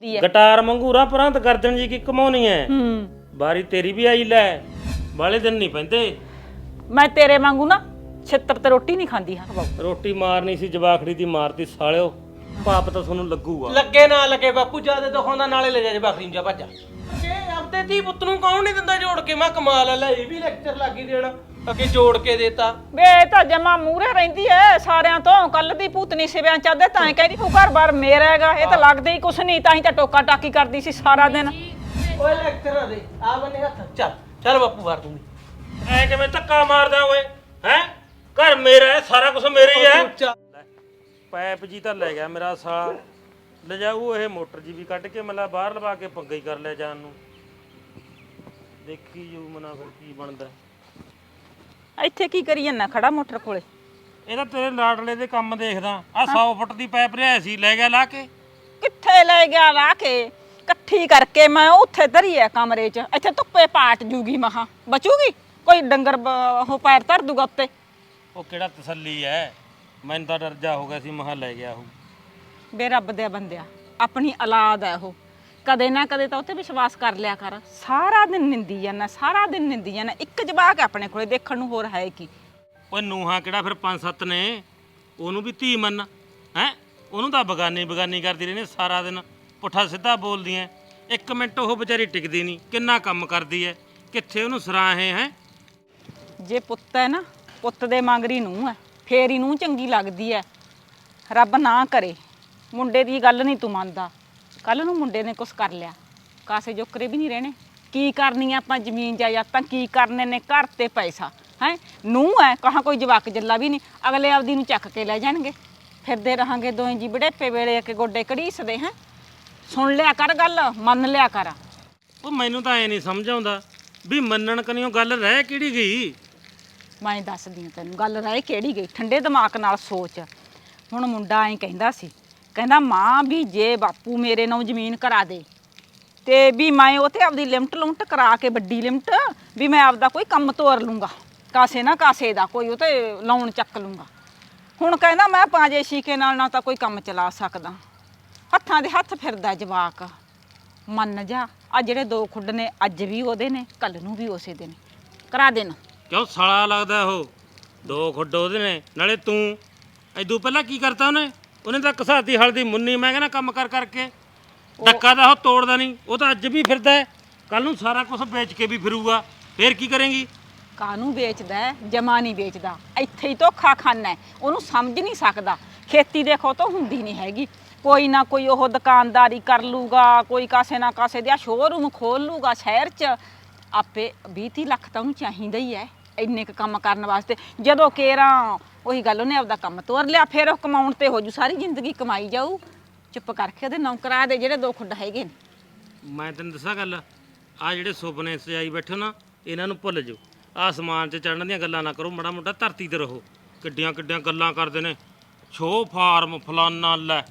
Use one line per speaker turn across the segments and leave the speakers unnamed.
Guitar मंगूरा परंत गर्दन जी की कमाउनी है। बारी तेरी भी आई लै बाले दिन नहीं पैंदे।
मैं तेरे वांगू ना छित्र ते रोटी नहीं खांदी हां बाबू।
रोटी मारनी सी जवाखड़ी दी मारती सालिओ पाप ਤਾਂ ਤੁਹਾਨੂੰ ਲੱਗੂਗਾ।
ਲੱਗੇ ਨਾ ਲੱਗੇ ਬਾਪੂ ਜਿਆਦਾ ਦਿਖਾਉਂਦਾ ਨਾਲੇ ਲੈ ਜਾ ਬੱਕਰੀ ਨੂੰ ਜਾ ਭੱਜਾ ਇਹ ਆਪਦੇ ਧੀ ਪੁੱਤ ਨੂੰ ਕੌਣ ਨਹੀਂ ਦਿੰਦਾ ਜੋੜ ਕੇ ਮੈਂ ਕਮਾਲ ਆ ਲੈ ਇਹ ਵੀ ਲੈਕਚਰ ਲੱਗੀ ਦੇਣਾ ਅੱਗੇ ਜੋੜ ਕੇ ਦੇਤਾ
ਵੇ ਇਹ ਤਾਂ ਜਮਾ ਮੂਹਰੇ ਰਹਿੰਦੀ ਐ ਸਾਰਿਆਂ ਤੋਂ ਕੱਲ ਦੀ ਭੂਤਨੀ ਸਿਵਿਆਂ ਚੱਲਦੇ ਤਾਂ ਹੀ ਕਹਿੰਦੀ ਤੂੰ ਘਰ-ਬਾਰ ਮੇਰਾ ਹੈਗਾ ਇਹ ਤਾਂ ਲੱਗਦਾ ਹੀ ਕੁਛ ਨਹੀਂ ਤਾਂ ਹੀ ਤਾਂ ਟੋਕਾ ਟਾਕੀ ਕਰਦੀ ਸੀ ਸਾਰਾ ਦਿਨ।
ਓਏ ਲੈਕਚਰ ਦੇ ਆ ਬੰਨੇ ਹੱਥ ਚੱਲ ਚੱਲ ਬਾਪੂ ਮਾਰ ਦੂੰਗੀ
ਐ ਕਿਵੇਂ ਧੱਕਾ ਮਾਰਦਾ ਓਏ ਹੈ ਘਰ ਮੇਰਾ ਹੈ ਸਾਰਾ ਕੁਝ ਮੇਰੇ ਹੀ ਹੈ। ਪੈਪ ਜੀ ਤਾਂ ਲੈ ਗਿਆ ਮੇਰਾ ਸਾਲਾ ਲਿਜਾਊ ਇਹ ਮੋਟਰ ਜੀ ਵੀ ਕੱਢ ਕੇ ਮਲਾ ਬਾਹਰ ਲਵਾ ਕੇ ਪੰਗਾ ਹੀ ਕਰ ਲਿਆ ਜਾਨ ਨੂੰ ਦੇਖੀ ਜੂ ਮਨਾ ਫਿਰ ਕੀ ਬਣਦਾ।
ਇੱਥੇ ਕੀ ਕਰੀ ਜਾਂਦਾ ਖੜਾ ਮੋਟਰ ਕੋਲੇ?
ਇਹ ਤਾਂ ਤੇਰੇ ਲਾਡਲੇ ਦੇ ਕੰਮ ਦੇਖਦਾ ਆ 100 ਫੁੱਟ ਦੀ ਪਾਈਪ ਲਿਆਇਆ ਸੀ ਲੈ ਗਿਆ ਲਾ ਕੇ।
ਕਿੱਥੇ ਲੈ ਗਿਆ ਲਾ ਕੇ ਇਕੱਠੀ ਕਰਕੇ ਮੈਂ ਉੱਥੇ ਧਰੀ ਐ ਕਮਰੇ 'ਚ ਇੱਥੇ ਧੁੱਪੇ ਪਾਟ ਜੂਗੀ ਮਹਾ ਬਚੂਗੀ ਕੋਈ ਡੰਗਰ ਉਹ ਪੈਰ ਧਰ ਦੂਗਾ ਉੱਤੇ।
ਉਹ ਕਿਹੜਾ ਤਸੱਲੀ ਐ ਮੈਨੂੰ ਤਾਂ ਡਰ ਜਾ ਹੋ ਗਿਆ ਸੀ ਮਹਾ ਲੈ ਗਿਆ ਉਹ।
ਬੇ ਰੱਬ ਦੇ ਬੰਦਿਆ ਆਪਣੀ ਔਲਾਦ ਐ ਉਹ ਕਦੇ ਨਾ ਕਦੇ ਤਾਂ ਉੱਤੇ ਵਿਸ਼ਵਾਸ ਕਰ ਲਿਆ ਕਰ। ਸਾਰਾ ਦਿਨ ਨਿੰਦੀ ਜਾਂਦਾ ਸਾਰਾ ਦਿਨ ਨਿੰਦੀ ਜਾਂਦਾ ਇੱਕ ਜਵਾਕ ਆਪਣੇ ਕੋਲੇ ਦੇਖਣ ਨੂੰ ਹੋਰ ਹੈ ਕੀ।
ਓਏ ਨੂਹਾਂ ਕਿਹੜਾ ਫਿਰ 5-7 ਨੇ ਉਹਨੂੰ ਵੀ ਧੀ ਮੰਨ ਹੈ ਉਹਨੂੰ ਤਾਂ ਬਗਾਨੀ ਕਰਦੀ ਰਹਿੰਦੀ ਸਾਰਾ ਦਿਨ ਪੁੱਠਾ ਸਿੱਧਾ ਬੋਲਦੀਆਂ ਇੱਕ ਮਿੰਟ ਉਹ ਵਿਚਾਰੀ ਟਿਕਦੀ ਨਹੀਂ ਕਿੰਨਾ ਕੰਮ ਕਰਦੀ ਐ ਕਿੱਥੇ ਉਹਨੂੰ ਸਰਾਹੇ ਹੈ।
ਜੇ ਪੁੱਤ ਹੈ ਨਾ ਪੁੱਤ ਦੇ ਮੰਗਰੀ ਨੂੰ ਹੈ ਫੇਰ ਹੀ ਨੂੰ ਚੰਗੀ ਲੱਗਦੀ ਹੈ। ਰੱਬ ਨਾ ਕਰੇ ਮੁੰਡੇ ਦੀ ਗੱਲ ਨਹੀਂ ਤੂੰ ਮੰਨਦਾ ਕੱਲ ਨੂੰ ਮੁੰਡੇ ਨੇ ਕੁਛ ਕਰ ਲਿਆ ਕਾਸੇ ਜੋਕਰੇ ਵੀ ਨਹੀਂ ਰਹਿਣੇ ਕੀ ਕਰਨੀ ਆਪਾਂ ਜ਼ਮੀਨ ਜਾਇਦਾਦਾਂ ਕੀ ਕਰਨੇ ਨੇ ਘਰ ਤੇ ਪੈਸਾ ਹੈ ਨੂੰ ਹੈ ਕਹਾਂ ਕੋਈ ਜਵਾਕ ਜੱਲਾ ਵੀ ਨਹੀਂ ਅਗਲੇ ਆਪਦੀ ਨੂੰ ਚੱਕ ਕੇ ਲੈ ਜਾਣਗੇ ਫਿਰਦੇ ਰਹਾਂਗੇ ਦੋਵੇਂ ਜੀ ਬੜੇਪੇ ਵੇਲੇ ਕੇ ਗੋਡੇ ਘੜੀਸਦੇ ਹੈ। ਸੁਣ ਲਿਆ ਕਰ ਗੱਲ ਮੰਨ ਲਿਆ ਕਰ।
ਉਹ ਮੈਨੂੰ ਤਾਂ ਐ ਨਹੀਂ ਸਮਝ ਆਉਂਦਾ ਵੀ ਮੰਨਣ ਕਨੀਓ ਗੱਲ ਰਹਿ ਕਿਹੜੀ ਗਈ।
ਮੈਂ ਦੱਸਦੀ ਹਾਂ ਤੈਨੂੰ ਗੱਲ ਰਹਿ ਕਿਹੜੀ ਗਈ ਠੰਡੇ ਦਿਮਾਗ ਨਾਲ ਸੋਚ। ਹੁਣ ਮੁੰਡਾ ਐਂ ਕਹਿੰਦਾ ਸੀ ਕਹਿੰਦਾ ਮਾਂ ਵੀ ਜੇ ਬਾਪੂ ਮੇਰੇ ਨਾਲ ਜ਼ਮੀਨ ਕਰਾ ਦੇ ਤੇ ਵੀ ਮੈਂ ਉਹ ਤੇ ਆਪਦੀ ਲਿਮਟ ਕਰਾ ਕੇ ਵੱਡੀ ਲਿਮਟ ਵੀ ਮੈਂ ਆਪਦਾ ਕੋਈ ਕੰਮ ਤੋਰ ਲੂੰਗਾ ਕਾਸੇ ਨਾ ਕਾਸੇ ਦਾ ਕੋਈ ਉਹ ਤੇ ਲਾਉਣ ਚੱਕ ਲੂੰਗਾ। ਹੁਣ ਕਹਿੰਦਾ ਮੈਂ ਪਾਂਜੇ ਸ਼ੀਕੇ ਨਾਲ ਨਾ ਤਾਂ ਕੋਈ ਕੰਮ ਚਲਾ ਸਕਦਾ ਹੱਥਾਂ ਦੇ ਹੱਥ ਫਿਰਦਾ ਜਵਾਕ। ਮੰਨ ਜਾ ਆ ਜਿਹੜੇ 2 ਖੁੱਡ ਨੇ ਅੱਜ ਵੀ ਉਹਦੇ ਨੇ ਕੱਲ ਨੂੰ ਵੀ ਉਸੇ ਦੇ ਨੇ ਕਰਾ ਦੇਣ।
ਕਿਉਂ ਸਾਲਾ ਲੱਗਦਾ ਉਹ 2 ਖੁੱਡ ਉਹਦੇ ਨੇ ਨਾਲੇ ਤੂੰ ਐਦੂ ਪਹਿਲਾਂ ਕੀ ਕਰਤਾ ਉਹਨੇ ਤਾਂ ਘਸਾਤੀ ਹਲਦੀ ਮੁੰਨੀ ਮੈਂ ਕਹਿੰਦਾ ਕੰਮ ਕਰਕੇ ਡੱਕਾ ਦਾ ਉਹ ਤੋੜਦਾ ਨਹੀਂ ਉਹ ਤਾਂ ਅੱਜ ਵੀ ਫਿਰਦਾ ਹੈ ਕੱਲ ਨੂੰ ਸਾਰਾ ਕੁਝ ਵੇਚ ਕੇ ਵੀ ਫਿਰੂਗਾ ਫੇਰ ਕੀ ਕਰੇਂਗੀ।
ਕਾਹਨੂੰ ਵੇਚਦਾ ਜਮਾ ਨਹੀਂ ਵੇਚਦਾ ਇੱਥੇ ਹੀ ਧੋਖਾ ਖਾਨਾ ਹੈ ਉਹਨੂੰ ਸਮਝ ਨਹੀਂ ਸਕਦਾ ਖੇਤੀ ਦੇਖੋ ਤਾਂ ਹੁੰਦੀ ਨਹੀਂ ਹੈਗੀ ਕੋਈ ਨਾ ਕੋਈ ਉਹ ਦੁਕਾਨਦਾਰੀ ਕਰ ਲੂਗਾ ਕੋਈ ਕਾਸੇ ਨਾ ਕਾਸੇ ਦਾ ਸ਼ੋਰੂਮ ਖੋਲ ਲੂਗਾ ਸ਼ਹਿਰ 'ਚ ਆਪੇ 20-30 ਲੱਖ ਤਾਂ ਉਹਨੂੰ ਚਾਹੀਦਾ ਹੀ ਹੈ ਇੰਨੇ ਕੁ ਕੰਮ ਕਰਨ ਵਾਸਤੇ। ਜਦੋਂ ਕੇਰਾਂ ਉਹੀ ਗੱਲ ਉਹਨੇ ਆਪਦਾ ਕੰਮ ਤੋਰ ਲਿਆ ਫਿਰ ਉਹ ਕਮਾਉਣ ਤੇ ਹੋ ਜੂ ਸਾਰੀ ਜ਼ਿੰਦਗੀ ਕਮਾਈ ਜਾਊ। ਚੁੱਪ ਕਰਕੇ ਉਹਦੇ ਨੌਕਰਾਂ ਦੇ ਜਿਹੜੇ 2 ਖੁੱਡ ਹੈਗੇ ਨੇ।
ਮੈਂ ਤੈਨੂੰ ਦੱਸਾਂ ਗੱਲ ਆ ਜਿਹੜੇ ਸੁਪਨੇ ਸਜਾਈ ਬੈਠੇ ਨਾ ਇਹਨਾਂ ਨੂੰ ਭੁੱਲ ਜਾਓ ਆਸਮਾਨ 'ਚ ਚੜ੍ਹਨ ਦੀਆਂ ਗੱਲਾਂ ਨਾ ਕਰੋ ਮਾੜਾ ਮੋਟਾ ਧਰਤੀ ਤੇ ਰਹੋ। ਕਿੱਡੀਆਂ ਗੱਲਾਂ ਕਰਦੇ ਨੇ ਛੋ ਫਾਰਮ ਫਲਾਨਾ ਲੈ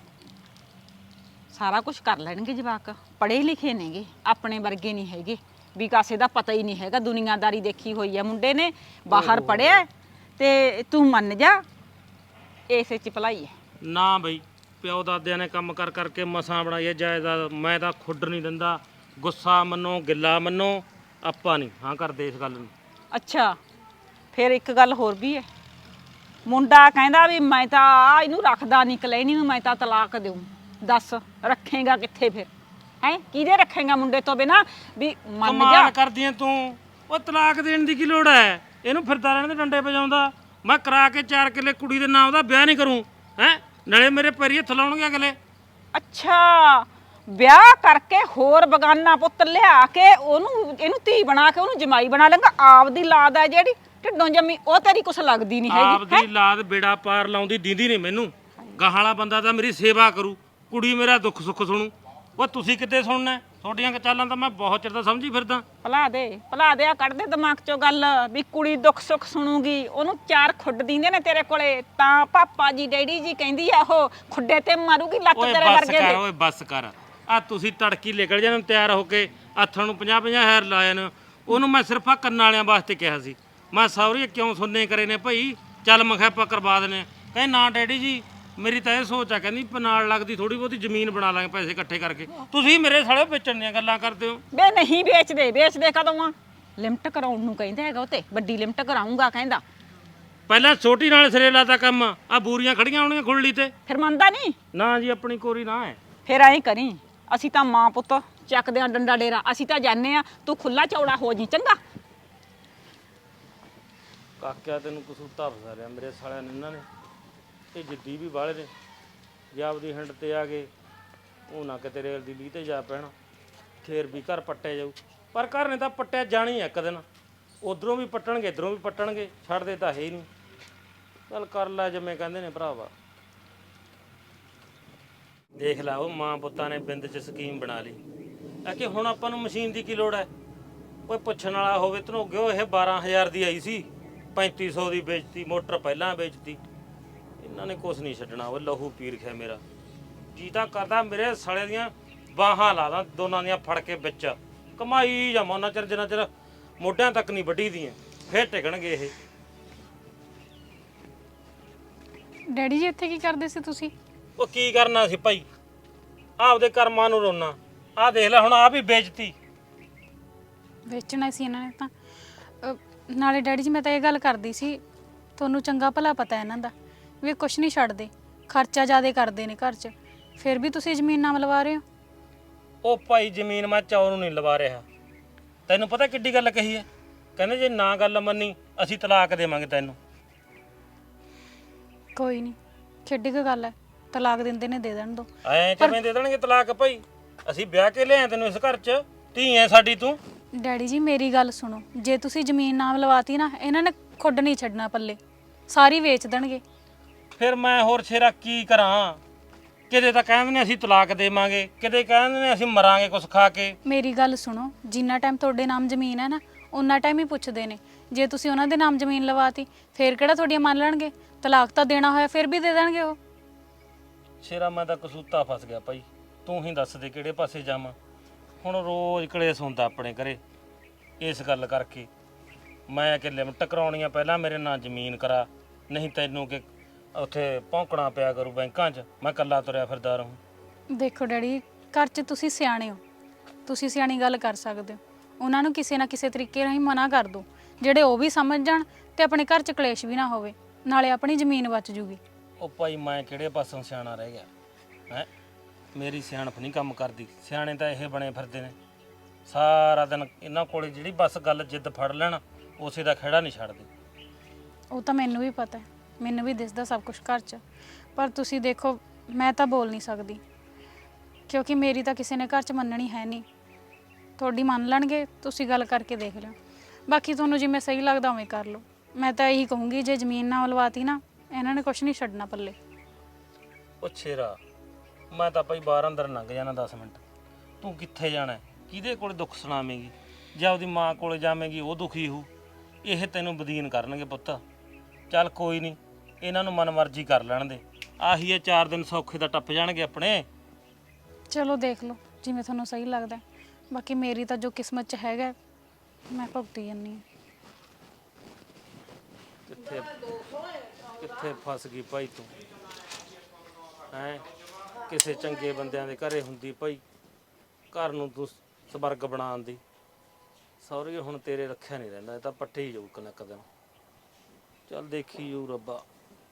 ਸਾਰਾ ਕੁਝ ਕਰ ਲੈਣਗੇ ਜਵਾਕ ਪੜ੍ਹੇ ਲਿਖੇ ਨੇਗੇ ਆਪਣੇ ਵਰਗੇ ਨਹੀਂ ਹੈਗੇ ਵੀ ਕਾਸੇ ਦਾ ਪਤਾ ਹੀ ਨਹੀਂ ਹੈਗਾ ਦੁਨੀਆਦਾਰੀ ਦੇਖੀ ਹੋਈ ਹੈ ਮੁੰਡੇ ਨੇ ਬਾਹਰ ਪੜ੍ਹਿਆ ਤੇ ਤੂੰ ਮੰਨ ਜਾ ਇਸੇ 'ਚ ਭਲਾਈ ਹੈ।
ਨਾ ਬਈ ਪਿਓ ਦਾਦਿਆਂ ਨੇ ਕੰਮ ਕਰਕੇ ਮਸਾਂ ਬਣਾਈ ਹੈ ਜਾਇਦਾਦ ਮੈਂ ਤਾਂ ਖੁੱਡ ਨਹੀਂ ਦਿੰਦਾ ਗੁੱਸਾ ਮੰਨੋ ਗਿੱਲਾ ਮੰਨੋ ਆਪਾਂ ਨਹੀਂ ਹਾਂ ਕਰਦੇ ਇਸ ਗੱਲ ਨੂੰ।
ਅੱਛਾ ਫਿਰ ਇੱਕ ਗੱਲ ਹੋਰ ਵੀ ਹੈ ਮੁੰਡਾ ਕਹਿੰਦਾ ਵੀ ਮੈਂ ਤਾਂ ਆ ਇਹਨੂੰ ਰੱਖਦਾ ਨਹੀਂ ਕਲੈਣੀ ਨੂੰ ਮੈਂ ਤਾਂ ਤਲਾਕ ਦੇਊਂ। ਦੱਸ ਰੱਖੇਗਾ ਕਿੱਥੇ ਫਿਰ ਹੈ ਕਿਹਦੇ ਰੱਖੇਗਾ ਮੁੰਡੇ ਤੋਂ ਬਿਨਾ ਵੀ ਮੰਨ ਜਾ।
ਕਮਾਲ ਕਰਦੀਆਂ ਤੂੰ ਉਹ ਤਲਾਕ ਦੇਣ ਦੀ ਕੀ ਲੋੜ ਹੈ ਇਹਨੂੰ ਫਿਰਦਾ ਰਹਿਣ ਦੇ ਡੰਡੇ ਵਜਾਉਂਦਾ ਮੈਂ ਕਰਾ ਕੇ 4 ਕਿੱਲੇ ਕੁੜੀ ਦੇ ਨਾਂ ਉਹਦਾ ਵਿਆਹ ਨਹੀਂ ਕਰੂੰ ਹੈ ਨਾਲੇ ਮੇਰੇ ਪੈਰੀ ਹੱਥ ਲਾਉਣਗੇ ਅਗਲੇ।
ਅੱਛਾ ਵਿਆਹ ਕਰਕੇ ਹੋਰ ਬਗਾਨਾ ਪੁੱਤ ਲਿਆ ਕੇ ਇਹਨੂੰ ਧੀ ਬਣਾ ਕੇ ਉਹਨੂੰ ਜਮਾਈ ਬਣਾ ਲੇਗਾ ਆਪਦੀ ਲਾਦ ਹੈ ਜਿਹੜੀ ਢਿੱਡੋਂ ਜੰਮੀ ਉਹ ਤੇਰੀ ਕੁਛ ਲੱਗਦੀ ਨਹੀਂ ਹੈਗੀ।
ਆਪਦੀ ਲਾਦ ਬੇੜਾ ਪਾਰ ਲਾਉਂਦੀ ਦੀਂਦੀ ਨਹੀਂ ਮੈਨੂੰ ਗਾਹਾਂ ਵਾਲਾ ਬੰਦਾ ਤਾਂ ਮੇਰੀ ਸੇਵਾ ਕਰੂ ਕੁੜੀ ਮੇਰਾ ਦੁੱਖ ਸੁੱਖ ਸੁਣੂ। ਉਹ ਤੁਸੀਂ ਕਿੱਦੇ ਸੁਣਨਾ ਤੁਹਾਡੀਆਂ ਚਾਲਾਂ ਤਾਂ ਮੈਂ ਬਹੁਤ ਚਿਰ ਦਾ ਸਮਝੀ ਫਿਰਦਾ।
ਭਲਾ ਦੇ ਆ ਕੱਢ ਦੇ ਦਿਮਾਗ ਚੋਂ ਗੱਲ ਵੀ ਕੁੜੀ ਦੁੱਖ ਸੁੱਖ ਸੁਣੂਗੀ ਉਹਨੂੰ 4 ਖੁੱਡ ਦਿੰਦੇ ਨੇ ਤੇਰੇ ਕੋਲੇ ਤਾਂ ਪਾਪਾ ਜੀ ਡੈਡੀ ਜੀ ਕਹਿੰਦੀ ਆ ਉਹ ਖੁੱਡੇ ਤੇ ਮਾਰੂਗੀ ਲੱਤ ਤੇਰੇ ਵਰਗੇ ਦੇ।
ਓਏ ਬੱਸ ਕਰ ਆ ਤੁਸੀਂ ਤੜਕੀ ਨਿਕਲ ਜਾਣ ਤਿਆਰ ਹੋ ਕੇ ਹੱਥਾਂ ਨੂੰ 50-50 ਹਜ਼ਾਰ ਲਾਏ ਨੇ ਉਹਨੂੰ ਮੈਂ ਸਿਰਫ ਆ ਕੰਨਾਂ ਵਾਲਿਆਂ ਵਾਸਤੇ ਕਿਹਾ ਸੀ ਮੈਂ ਸੌਰੀ ਕਿਉਂ ਸੁਣਨੇ ਕਰੇ ਨੇ ਭਾਈ ਚੱਲ ਮੈਂ ਕਿਹਾ ਆਪਾਂ ਕਰਵਾ ਦਨੇ ਕਹਿੰਦੇ ਨਾ ਡੈਡੀ ਜੀ ਮੇਰੀ ਤਾਂ ਇਹ ਸੋਚ ਆ, ਕਹਿੰਦੀ ਨਾਲ ਲੱਗਦੀ ਥੋੜੀ ਬਹੁਤੀ ਜ਼ਮੀਨ ਬਣਾ ਲਾਂਗੇ ਪੈਸੇ ਇਕੱਠੇ ਕਰਕੇ। ਤੁਸੀਂ ਮੇਰੇ ਸਾਲੇ ਵੇਚਣ ਦੀਆਂ ਗੱਲਾਂ ਕਰਦੇ ਹੋ।
ਬੇ ਨਹੀਂ ਵੇਚਦੇ ਕਦੋਂ ਆ? ਲਿਮਟ ਕਰਾਉਣ ਨੂੰ ਕਹਿੰਦਾ ਹੈਗਾ, ਉਹ ਤੇ ਵੱਡੀ ਲਿਮਟ ਕਰਾਉਂਗਾ ਕਹਿੰਦਾ।
ਪਹਿਲਾਂ ਛੋਟੀ ਨਾਲ ਸਿਰੇ ਲਾਤਾ ਕੰਮ, ਆ ਬੂਰੀਆਂ ਖੜੀਆਂ ਹੋਣੀਆਂ ਖੁੱਲ੍ਹੀ ਤੇ।
ਫਿਰ ਮੰਨਦਾ ਨਹੀਂ?
ਨਾ ਜੀ, ਆਪਣੀ ਕੋਰੀ ਨਾ ਹੈ।
ਫਿਰ ਐਂ ਕਰੀ, ਅਸੀਂ ਤਾਂ ਮਾਂ ਪੁੱਤ ਚੱਕਦੇ ਆ ਡੰਡਾ ਡੇਰਾ, ਅਸੀਂ ਤਾਂ ਜਾਣੇ ਆ, ਤੂੰ ਖੁੱਲਾ ਚੌੜਾ ਹੋ ਜੀ ਚੰਗਾ।
ਕਾਕਿਆ ਤੈਨੂੰ ਕਸੂਤਾ ਫਸਾ ਲਿਆ ਮੇਰੇ ਸਾਲਿਆਂ ਨੇ ਇਹਨਾਂ ਨੇ। ਇਹ ਜਿੱਦੀ ਵੀ ਬਾਹਲੇ ਨੇ, ਜੇ ਆਪਦੀ ਹਿੰਡ ਤੇ ਆ ਗਏ ਉਹ ਨਾ ਕਿਤੇ ਰੇਲ ਦੀ ਲੀਹ ਤੇ ਜਾ ਪੈਣ, ਫੇਰ ਵੀ ਘਰ ਪੱਟਿਆ ਜਾਊ। ਪਰ ਘਰ ਨੇ ਤਾਂ ਪੱਟਿਆ ਜਾਣੀ ਇੱਕ ਦਿਨ, ਉਧਰੋਂ ਵੀ ਪੱਟਣਗੇ ਇੱਧਰੋਂ ਵੀ ਪੱਟਣਗੇ, ਛੱਡਦੇ ਤਾਂ ਹੈ ਹੀ ਨਹੀਂ। ਚੱਲ ਕਰ ਲੈ ਜਿਵੇਂ ਕਹਿੰਦੇ ਨੇ ਭਰਾਵਾ। ਦੇਖ ਲਾ, ਉਹ ਮਾਂ ਪੁੱਤਾਂ ਨੇ ਬਿੰਦ 'ਚ ਸਕੀਮ ਬਣਾ ਲਈ ਆ ਕਿ ਹੁਣ ਆਪਾਂ ਨੂੰ ਮਸ਼ੀਨ ਦੀ ਕੀ ਲੋੜ ਹੈ। ਕੋਈ ਪੁੱਛਣ ਵਾਲਾ ਹੋਵੇ ਧਨੋਗਿਓ, ਇਹ 12,000 ਦੀ ਆਈ ਸੀ, 3500 ਦੀ ਵੇਚਤੀ, ਮੋਟਰ ਪਹਿਲਾਂ ਵੇਚਤੀ। ਇਹਨਾਂ ਨੇ ਕੁਛ ਨਹੀਂ ਛੱਡਣਾ, ਉਹ ਲਹੂ ਪੀ ਰਖਿਆ ਮੇਰਾ। ਜੀ ਤਾਂ ਕਰਦਾ ਮੇਰੇ ਸਾਲੇ ਦੀਆਂ ਬਾਹਾਂ ਲਾ ਦਾਂ ਦੋਨਾਂ ਦੀਆਂ ਫੜ ਕੇ ਵਿੱਚ, ਕਮਾਈ ਜਾਵਾਂ ਉਹਨਾਂ ਚਿਰ ਜਿੰਨਾ ਚਿਰ ਮੋਢਿਆਂ ਤੱਕ ਨਹੀਂ ਵੱਢੀ ਦੀਆਂ, ਫੇਰ ਟਿਕਣਗੇ ਇਹ।
ਡੈਡੀ ਜੀ ਇੱਥੇ ਕੀ ਕਰਦੇ ਸੀ ਤੁਸੀਂ?
ਉਹ ਕੀ ਕਰਨਾ ਸੀ ਭਾਈ, ਆਪਦੇ ਕਰਮਾਂ ਨੂੰ ਰੋਣਾ। ਆਹ ਦੇਖ ਲੈ ਹੁਣ, ਆਪ ਹੀ ਵੇਚਤੀ।
ਵੇਚਣਾ ਸੀ ਇਹਨਾਂ ਨੇ ਤਾਂ। ਨਾਲੇ ਡੈਡੀ ਜੀ ਮੈਂ ਤਾਂ ਇਹ ਗੱਲ ਕਰਦੀ ਸੀ, ਤੁਹਾਨੂੰ ਚੰਗਾ ਭਲਾ ਪਤਾ ਇਹਨਾਂ ਦਾ ਵੀ ਕੁਛ ਨਹੀਂ ਛੱਡਦੇ, ਖਰਚਾ ਜ਼ਿਆਦਾ ਕਰਦੇ ਨੇ ਘਰ 'ਚ, ਫਿਰ ਵੀ ਤੁਸੀਂ ਜ਼ਮੀਨ ਨਾਮ ਲਵਾ ਰਹੇ ਹੋ।
ਉਹ ਭਾਈ ਜ਼ਮੀਨ ਮੈਂ ਚੌਰ ਨੂੰ ਨਹੀਂ ਲਵਾ ਰਿਹਾ। ਤੈਨੂੰ ਪਤਾ ਕਿੱਡੀ ਗੱਲ ਕਹੀ ਹੈ? ਕਹਿੰਦੇ ਜੇ ਨਾ ਗੱਲ ਮੰਨੀ ਅਸੀਂ ਤਲਾਕ ਦੇਵਾਂਗੇ ਤੈਨੂੰ।
ਕੋਈ ਨਹੀਂ, ਕਿੱਡੀ ਕੁ ਗੱਲ ਹੈ, ਤਲਾਕ ਦਿੰਦੇ ਨੇ ਦੇ ਦੇਣ ਦੋ।
ਐਂ ਕਿਵੇਂ ਦੇ ਦੇਣਗੇ ਤਲਾਕ ਭਾਈ? ਅਸੀਂ ਵਿਆਹ ਕੇ ਲਿਆਏ ਤੈਨੂੰ ਇਸ ਘਰ 'ਚ, ਧੀ ਐ ਸਾਡੀ ਤੂੰ।
ਡੈਡੀ ਜੀ ਮੇਰੀ ਗੱਲ ਸੁਣੋ, ਜੇ ਤੁਸੀਂ ਜ਼ਮੀਨ ਨਾਮ ਲਵਾਤੀ ਨਾ, ਇਹਨਾਂ ਨੇ ਖੁੱਡ ਨਹੀਂ ਛੱਡਣਾ ਪੱਲੇ, ਸਾਰੀ ਵੇਚ ਦੇਣਗੇ।
ਫਿਰ ਮੈਂ ਹੋਰ ਛੇਰਾ ਕੀ ਕਰਾਂ? ਕਿਤੇ ਤਾਂ ਕਹਿੰਦੇ ਨੇ ਅਸੀਂ ਤਲਾਕ ਦੇਵਾਂਗੇ, ਕਿਤੇ ਕਹਿੰਦੇ ਨੇ ਅਸੀਂ ਮਰਾਂਗੇ ਕੁਛ ਖਾ ਕੇ।
ਮੇਰੀ ਗੱਲ ਸੁਣੋ, ਜਿੰਨਾ ਟਾਈਮ ਤੁਹਾਡੇ ਨਾਮ ਜ਼ਮੀਨ ਹੈ ਨਾ, ਉਨਾ ਟਾਈਮ ਹੀ ਪੁੱਛਦੇ ਨੇ। ਜੇ ਤੁਸੀਂ ਉਹਨਾਂ ਦੇ ਨਾਮ ਜ਼ਮੀਨ ਲਵਾਤੀ, ਫਿਰ ਕਿਹੜਾ ਤੁਹਾਡੀਆਂ ਮੰਨ ਲੈਣਗੇ? ਤਲਾਕ ਤਾਂ ਦੇਣਾ ਹੋਇਆ ਫਿਰ ਵੀ ਦੇ ਦੇਣਗੇ ਉਹ।
ਸ਼ੇਰਾ ਮੈਂ ਤਾਂ ਕਸੂਤਾ ਫਸ ਗਿਆ ਭਾਈ, ਤੂੰ ਹੀ ਦੱਸ ਦੇ ਕਿਹੜੇ ਪਾਸੇ ਜਾਵਾਂ। ਹੁਣ ਰੋਜ਼ ਕਲੇਸ਼ ਹੁੰਦਾ ਆਪਣੇ ਘਰੇ ਇਸ ਗੱਲ ਕਰਕੇ। ਮੈਂ ਕਿ ਲਿਮਟ ਕਰਾਉਣੀ ਆ, ਪਹਿਲਾਂ ਮੇਰੇ ਨਾਂ ਜ਼ਮੀਨ ਕਰਾ, ਨਹੀਂ ਤੈਨੂੰ ਕਿ ਉੱਥੇ ਭੌਂਕਣਾ ਪਿਆ ਕਰੂ ਬੈਂਕਾਂ 'ਚ। ਮੈਂ ਇਕੱਲਾ ਤੁਰਿਆ ਫਿਰਦਾ ਰਹੂੰ।
ਦੇਖੋ ਡੈਡੀ, ਘਰ 'ਚ ਤੁਸੀਂ ਸਿਆਣੇ ਹੋ, ਤੁਸੀਂ ਸਿਆਣੀ ਗੱਲ ਕਰ ਸਕਦੇ ਹੋ। ਉਹਨਾਂ ਨੂੰ ਕਿਸੇ ਨਾ ਕਿਸੇ ਤਰੀਕੇ ਰਾਹੀਂ ਮਨਾ ਕਰ ਦਿਓ, ਜਿਹੜੇ ਉਹ ਵੀ ਸਮਝ ਜਾਣ ਤੇ ਆਪਣੇ ਘਰ 'ਚ ਕਲੇਸ਼ ਵੀ ਨਾ ਹੋਵੇ, ਨਾਲੇ ਆਪਣੀ ਜ਼ਮੀਨ ਬਚ ਜੂਗੀ।
ਉਹ ਭਾਈ ਮੈਂ ਕਿਹੜੇ ਪਾਸੋਂ ਸਿਆਣਾ ਰਹਿ ਗਿਆ ਹੈ? ਮੇਰੀ ਸਿਆਣਪ ਨਹੀਂ ਕੰਮ ਕਰਦੀ। ਸਿਆਣੇ ਤਾਂ ਇਹ ਬਣੇ ਫਿਰਦੇ ਨੇ, ਸਾਰਾ ਦਿਨ ਇਹਨਾਂ ਕੋਲੇ ਜਿਹੜੀ ਬਸ ਗੱਲ ਜਿੱਦ ਫੜ ਲੈਣ, ਉਸੇ ਦਾ ਖਹਿੜਾ ਨਹੀਂ ਛੱਡਦੇ।
ਉਹ ਤਾਂ ਮੈਨੂੰ ਵੀ ਪਤਾ ਹੈ, ਮੈਨੂੰ ਵੀ ਦਿਸਦਾ ਸਭ ਕੁਝ ਘਰ 'ਚ। ਪਰ ਤੁਸੀਂ ਦੇਖੋ, ਮੈਂ ਤਾਂ ਬੋਲ ਨਹੀਂ ਸਕਦੀ, ਕਿਉਂਕਿ ਮੇਰੀ ਤਾਂ ਕਿਸੇ ਨੇ ਘਰ 'ਚ ਮੰਨਣੀ ਹੈ ਨਹੀਂ। ਤੁਹਾਡੀ ਮੰਨ ਲੈਣਗੇ, ਤੁਸੀਂ ਗੱਲ ਕਰਕੇ ਦੇਖ ਲਿਓ। ਬਾਕੀ ਤੁਹਾਨੂੰ ਜਿਵੇਂ ਸਹੀ ਲੱਗਦਾ ਉਵੇਂ ਕਰ ਲਓ। ਮੈਂ ਤਾਂ ਇਹੀ ਕਹੂੰਗੀ, ਜੇ ਜ਼ਮੀਨ ਨਾ ਲਵਾਤੀ ਨਾ, ਇਹਨਾਂ ਨੇ ਕੁਛ ਨਹੀਂ ਛੱਡਣਾ ਪੱਲੇ।
ਉਹ ਛੇਰਾ, ਮੈਂ ਤਾਂ ਭਾਈ ਬਾਹਰ ਅੰਦਰ ਲੰਘ ਜਾਣਾ 10 ਮਿੰਟ। ਤੂੰ ਕਿੱਥੇ ਜਾਣਾ? ਕਿਹਦੇ ਕੋਲ ਦੁੱਖ ਸੁਣਾਵੇਂਗੀ? ਜੇ ਆਪਦੀ ਮਾਂ ਕੋਲੇ ਜਾਵੇਂਗੀ ਉਹ ਦੁਖੀ ਹੋ, ਇਹ ਤੈਨੂੰ ਬਦੀਨ ਕਰਨਗੇ ਪੁੱਤ। ਚੱਲ ਕੋਈ ਨਹੀਂ, ਇਹਨਾਂ ਨੂੰ ਮਨਮਰਜ਼ੀ ਕਰ ਲੈਣ ਦੇ। ਆਹੀ ਇਹ 4 ਦਿਨ ਸੌਖੇ ਦਾ ਟੱਪ ਜਾਣਗੇ ਆਪਣੇ।
ਚਲੋ ਦੇਖ ਲਓ ਜਿਵੇਂ ਤੁਹਾਨੂੰ ਸਹੀ ਲੱਗਦਾ। ਬਾਕੀ ਮੇਰੀ ਤਾਂ ਜੋ ਕਿਸਮਤ 'ਚ ਹੈਗਾ, ਮੈਂ ਭੁਗਤੀ ਜਾਂਦੀ ਹਾਂ।
ਕਿੱਥੇ ਕਿੱਥੇ ਫਸ ਗਈ ਭਾਈ ਤੂੰ ਹੈਂ? ਕਿਸੇ ਚੰਗੇ ਬੰਦਿਆਂ ਦੇ ਘਰੇ ਹੁੰਦੀ ਭਾਈ, ਘਰ ਨੂੰ ਤੂੰ ਸਵਰਗ ਬਣਾਉਣ ਦੀ। ਸਹੁਰੇ ਹੁਣ ਤੇਰੇ ਰੱਖਿਆ ਨਹੀਂ ਰਹਿੰਦਾ, ਇਹ ਤਾਂ ਪੱਟੇ ਹੀ ਜਾਊ ਇੱਕ ਦਿਨ। ਚੱਲ ਦੇਖੀ ਜਾਊ ਰੱਬਾ।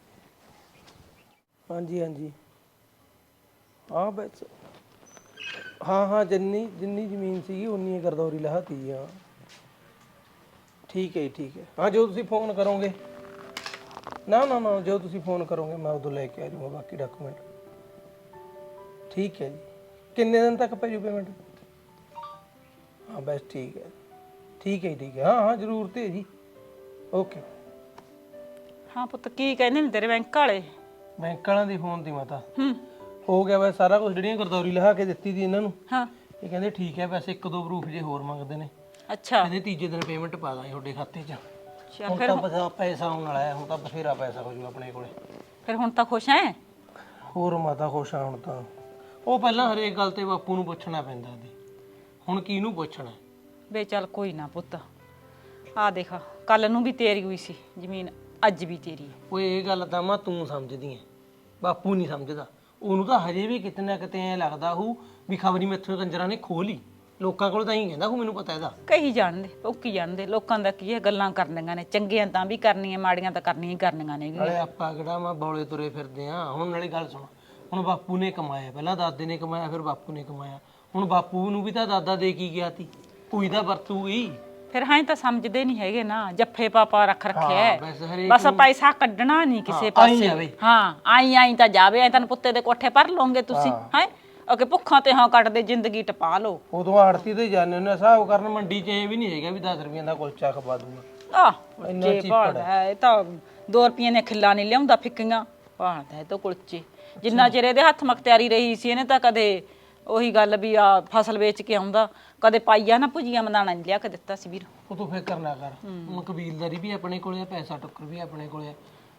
ਹਾਂਜੀ ਹਾਂਜੀ, ਹਾਂ ਬਸ, ਹਾਂ ਜਿੰਨੀ ਜ਼ਮੀਨ ਸੀਗੀ ਉਨੀ ਹੀ ਗਰਦੌਰੀ ਲਹਾਤੀ ਆ। ਠੀਕ ਹੈ ਜੀ, ਠੀਕ ਹੈ। ਹਾਂ ਜੋ ਤੁਸੀਂ ਫੋਨ ਕਰੋਗੇ, ਨਾ ਜੋ ਤੁਸੀਂ ਫੋਨ ਕਰੋਗੇ ਮੈਂ ਉਦੋਂ ਲੈ ਕੇ ਆ ਜਾਊਂਗਾ ਬਾਕੀ ਡਾਕੂਮੈਂਟ। ਠੀਕ ਹੈ ਜੀ। ਕਿੰਨੇ ਦਿਨ ਤੱਕ ਪੈ ਜੂ ਪੇਮੈਂਟ? ਹਾਂ ਬਸ ਠੀਕ ਹੈ ਜੀ, ਠੀਕ ਹੈ। ਹਾਂ ਜ਼ਰੂਰ ਤੇ ਜੀ। ਓਕੇ।
ਹਾਂ ਪੁੱਤ, ਕੀ ਕਹਿੰਦੇ ਨੇ ਤੇਰੇ ਬੈਂਕ ਵਾਲੇ?
ਬੈਂਕ ਵਾਲਿਆਂ ਦੀ ਫੋਨ ਦੀ ਮਾਤਾ ਹੋ ਗਿਆ ਵੈ ਸਾਰਾ ਕੁਝ, ਜਿਹੜੀਆਂ ਗਰਦੌਰੀ ਲਹਾ ਕੇ ਦਿੱਤੀ ਸੀ ਇਹਨਾਂ ਨੂੰ।
ਹਾਂ,
ਇਹ ਕਹਿੰਦੇ ਠੀਕ ਹੈ, ਵੈਸੇ 1-2 ਪ੍ਰੂਫ ਜੇ ਹੋਰ ਮੰਗਦੇ ਨੇ।
ਅੱਛਾ।
ਕਹਿੰਦੇ ਤੀਜੇ ਦਿਨ ਪੇਮੈਂਟ ਪਾ ਦਾਂਗੇ ਤੁਹਾਡੇ ਖਾਤੇ 'ਚ।
ਚੱਲ
ਹੁਣ ਤਾਂ ਪੈਸਾ ਆਉਣ ਵਾਲਾ ਹੈ, ਹੁਣ ਤਾਂ ਬਥੇਰਾ ਪੈਸਾ ਹੋ ਜੂ ਆਪਣੇ ਕੋਲੇ।
ਫਿਰ ਹੁਣ ਤਾਂ ਖੁਸ਼ ਐ?
ਹੋਰ ਮਾਤਾ ਖੁਸ਼ ਆ ਹੁਣ ਤਾਂ। ਉਹ ਪਹਿਲਾਂ ਹਰੇਕ ਗੱਲ ਤੇ ਬਾਪੂ ਨੂੰ ਪੁੱਛਣਾ ਪੈਂਦਾ ਸੀ, ਹੁਣ ਕਿਹਨੂੰ ਪੁੱਛਣਾ?
ਵੇ ਚੱਲ ਕੋਈ ਨਾ ਪੁੱਤ, ਆ ਦੇਖ ਕੱਲ ਨੂੰ ਵੀ ਤੇਰੀ ਹੋਈ ਸੀ ਜ਼ਮੀਨ, ਅੱਜ ਵੀ ਤੇਰੀ ਹੈ।
ਓਏ ਇਹ ਗੱਲ ਤਾਂ ਮਾਂ ਤੂੰ ਸਮਝਦੀ ਐ, ਬਾਪੂ ਨਹੀਂ ਸਮਝਦਾ, ਉਹਨੂੰ ਤਾਂ ਹਜੇ ਵੀ ਕਿਤੇ ਨਾ ਕਿਤੇ ਐ ਲੱਗਦਾ ਹੂ ਵੀ ਖਬਰੀ ਮੈਥੋਂ ਕੰਜਰਾਂ ਨੇ ਖੋਹ ਲਈ। ਲੋਕਾਂ ਕੋਲ ਤਾਂ ਹੀ ਕਹਿੰਦਾ ਹੂ, ਮੈਨੂੰ ਪਤਾ ਇਹਦਾ।
ਕਹੀ ਜਾਣਦੇ ਭੁੱਕੀ ਜਾਣਦੇ, ਲੋਕਾਂ ਦਾ ਕੀ ਹੈ, ਗੱਲਾਂ ਕਰਨੀਆਂ ਨੇ, ਚੰਗੀਆਂ ਤਾਂ ਵੀ ਕਰਨੀਆਂ, ਮਾੜੀਆਂ ਤਾਂ ਕਰਨੀਆਂ ਹੀ ਕਰਨੀਆਂ ਨੇ।
ਨਾਲੇ ਆਪਾਂ ਕਿਹੜਾ ਮੈਂ ਬੌਲੇ ਤੁਰੇ ਫਿਰਦੇ ਆ। ਹੁਣ ਨਾਲੇ ਗੱਲ ਸੁਣ, ਹੁਣ ਬਾਪੂ ਨੇ ਕਮਾਇਆ, ਪਹਿਲਾਂ ਦਾਦੇ ਨੇ ਕਮਾਇਆ, ਫਿਰ ਬਾਪੂ ਨੇ ਕਮਾਇਆ। ਹੁਣ ਬਾਪੂ ਨੂੰ ਵੀ ਤਾਂ ਦਾਦਾ ਦੇ ਕੀ ਗਿਆ ਤੀ, ਕੋਈ ਤਾਂ ਵਰਤੂਗੀ।
ਫਿਰ ਹਾਂ ਤਾਂ ਸਮਝਦੇ ਨਹੀਂ ਹੈਗੇ ਨਾ, ਜੱਫੇ ਪਾਪਾ ਰੱਖ ਰੱਖਿਆ ਹੈ।
ਬਸ ਹਰੇਕ
ਬਸ ਪੈਸਾ ਕੱਢਣਾ ਨਹੀਂ ਕਿਸੇ ਪਾਸੇ। ਹਾਂ ਆਈ ਤਾਂ ਜਾਵੇ, ਐ ਤੈਨੂੰ ਪੁੱਤੇ ਦੇ ਕੋਠੇ ਪਰ ਲਓਗੇ ਤੁਸੀਂ ਹੈ। ਅਗੇ ਭੁੱਖਾਂ ਤੇ ਹਾਂ ਕੱਟਦੇ ਜ਼ਿੰਦਗੀ ਟਪਾ ਲਓ।
ਉਦੋਂ ਆੜਤੀ ਤੇ ਜਾਂਦੇ ਹੁੰਦੇ ਹਿਸਾਬ ਕਰਨ, ਮੰਡੀ 'ਚ ਇਹ ਵੀ ਨਹੀਂ ਹੈਗਾ ਵੀ 10 ਰੁਪਈਆਂ ਦਾ ਕੁਲਚਾ ਖਵਾ ਦੂੰਗਾ।
ਆਹ ਜੇ ਭਾਲਦਾ ਹੈ, ਇਹ ਤਾਂ 2 ਰੁਪਈਏ ਨੇ ਖਿੱਲਾ ਨਹੀਂ ਲਿਆਉਂਦਾ, ਫਿੱਕੀਆਂ ਭਾਲਦਾ ਹੈ ਤਾਂ ਕੁਲਚੇ। ਜਿੰਨਾ ਚਿਰ ਇਹਦੇ ਹੱਥ ਮਖਤਿਆਰੀ ਰਹੀ ਸੀ, ਇਹਨੇ ਤਾਂ ਕਦੇ ਉਹੀ ਗੱਲ ਵੀ ਆ ਫਸਲ ਵੇਚ ਕੇ ਆਉਂਦਾ, ਕਦੇ ਪਾਈਆ ਨਾ ਭੁਜੀਆ ਮਦਾਣਾ ਨਹੀਂ ਲਿਆ ਕੇ ਦਿੱਤਾ ਸੀ ਵੀਰ।
ਉਹ ਤੂੰ ਫਿਕਰ ਨਾ ਕਰ, ਹੁਣ ਕਬੀਲਦਾਰੀ ਵੀ ਆਪਣੇ ਕੋਲੇ ਆ, ਪੈਸਾ ਟੁੱਕਰ ਵੀ ਆਪਣੇ ਕੋਲੇ ਆ।